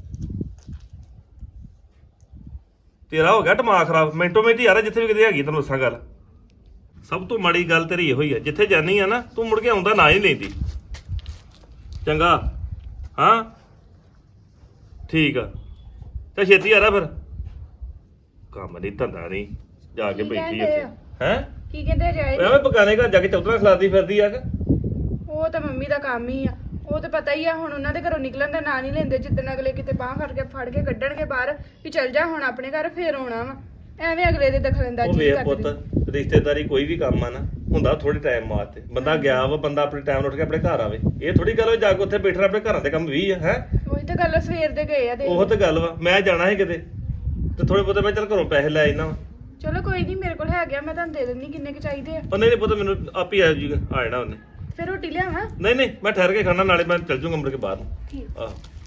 [SPEAKER 6] ਤੇਰਾ ਹੋ ਗਿਆ ਦਿਮਾਗ ਖਰਾਬ ਮਿੰਟੋ ਮਿੰਟ ਯਾਰ, ਜਿੱਥੇ ਵੀ ਕਿਤੇ ਹੈਗੀ ਤੈਨੂੰ ਦੱਸਾਂ ਗੱਲ। ਸਭ ਤੋਂ ਮਾੜੀ ਗੱਲ ਤੇਰੀ ਇਹੋ ਹੀ ਆ, ਜਿੱਥੇ ਜਾਨੀ ਆ ਨਾ ਤੂੰ ਮੁੜ ਕੇ ਆਉਂਦਾ ਨਾ ਹੀ ਲੈਂਦੀ। ਚੰਗਾ ਹਾਂ ਠੀਕ ਆ, ਤੇ ਛੇਤੀ ਆ ਰਾ ਫਿਰ। ਕੰਮ ਨਹੀਂ ਧੰਦਾ ਨਹੀਂ, ਜਾ ਕੇ
[SPEAKER 2] ਕੀ
[SPEAKER 6] ਬੈਠੀ
[SPEAKER 2] ਕਹਿੰਦੇ
[SPEAKER 6] ਇੱਥੇ
[SPEAKER 2] ਆ?
[SPEAKER 6] ਹੈ
[SPEAKER 2] ਕੀ ਕਹਿੰਦੇ ਜਾਏ?
[SPEAKER 6] ਐਵੇਂ ਬਗਾਨੇ ਘਰ ਜਾ ਕੇ ਚੌਧਰਾ ਖਿਲਾਰਦੀ ਫਿਰਦੀ ਆ ਕਿ?
[SPEAKER 2] ਉਹ ਤਾਂ ਮੰਮੀ ਦਾ ਕੰਮ ਹੀ ਆ, ਉਹ ਤਾਂ ਪਤਾ ਹੀ ਆ। ਹੁਣ ਉਹਨਾਂ ਦੇ ਘਰੋਂ ਨਿਕਲਣ ਦਾ ਨਾਂ ਨਹੀਂ ਲੈਂਦੇ। ਜਿੱਦਣ ਅਗਲੇ ਕਿਤੇ ਬਾਹ ਫੜ ਕੇ ਫੜ ਕੇ ਕੱਢਣਗੇ ਬਾਹਰ ਵੀ ਚੱਲ ਜਾ ਹੁਣ ਆਪਣੇ ਘਰ, ਫੇਰ ਆਉਣਾ ਵਾ। ਐਵੇਂ ਅਗਲੇ ਦੇ ਦਖਲਅੰਦਾਜ਼ੀ
[SPEAKER 6] ਉਹ ਵੇਖ
[SPEAKER 2] ਕਰਦੇ
[SPEAKER 6] ਪੁੱਤ, ਰਿਸ਼ਤੇਦਾਰੀ ਕੋਈ ਵੀ ਕੰਮ ਆ ਨਾ ਹੁੰਦਾ ਥੋੜੇ ਟਾਈਮ ਵਾਸਤੇ। ਬੰਦਾ ਗਿਆ ਵਾ, ਬੰਦਾ ਆਪਣੇ ਟਾਈਮ ਉੱਠ ਕੇ ਆਪਣੇ ਘਰ ਆਵੇ। ਇਹ ਥੋੜੀ ਗੱਲ ਹੋਈ ਜਾ ਕੇ ਉੱਥੇ ਬੈਠਣਾ, ਆਪਣੇ ਘਰਾਂ ਦੇ ਕੰਮ ਵੀ ਆ ਹੈ।
[SPEAKER 2] ਉਹੀ ਤਾਂ ਗੱਲ ਆ, ਸਵੇਰ ਦੇ ਗਏ ਆ ਦੇ।
[SPEAKER 6] ਉਹ ਤਾਂ ਗੱਲ ਵਾ, ਮੈਂ ਜਾਣਾ ਸੀ ਕਿਤੇ ਤੇ ਥੋੜੇ ਬਹੁਤੇ ਮੈਂ ਚੱਲ ਘਰੋਂ ਪੈਸੇ ਲੈ ਆਇਨਾ ਵਾ।
[SPEAKER 2] ਚਲੋ ਕੋਈ ਨਹੀਂ, ਮੇਰੇ ਕੋਲ ਹੈਗੇ ਆ, ਮੈਂ ਤੁਹਾਨੂੰ ਦੇ ਦਿੰਦੀ ਕਿੰਨੇ ਕੁ ਚਾਹੀਦੇ ਆ।
[SPEAKER 6] ਉਹ ਨਹੀਂ ਨਹੀਂ ਪੁੱਤ, ਮੈਨੂੰ ਆਪ ਹੀ ਆ ਜੂਗਾ, ਆ ਜਾਣਾ ਉਹਨੇ।
[SPEAKER 2] ਫਿਰ ਰੋਟੀ ਲਿਆਵਾਂ?
[SPEAKER 6] ਨਹੀਂ ਨਹੀਂ, ਮੈਂ ਠਹਿਰ ਕੇ ਖਾਣਾ, ਨਾਲੇ ਮੈਂ ਚੱਲ ਜੂਗਾ ਮੁੜ ਕੇ ਬਾਹਰ ਨੂੰ।
[SPEAKER 2] ਠੀਕ।
[SPEAKER 6] ਆਹ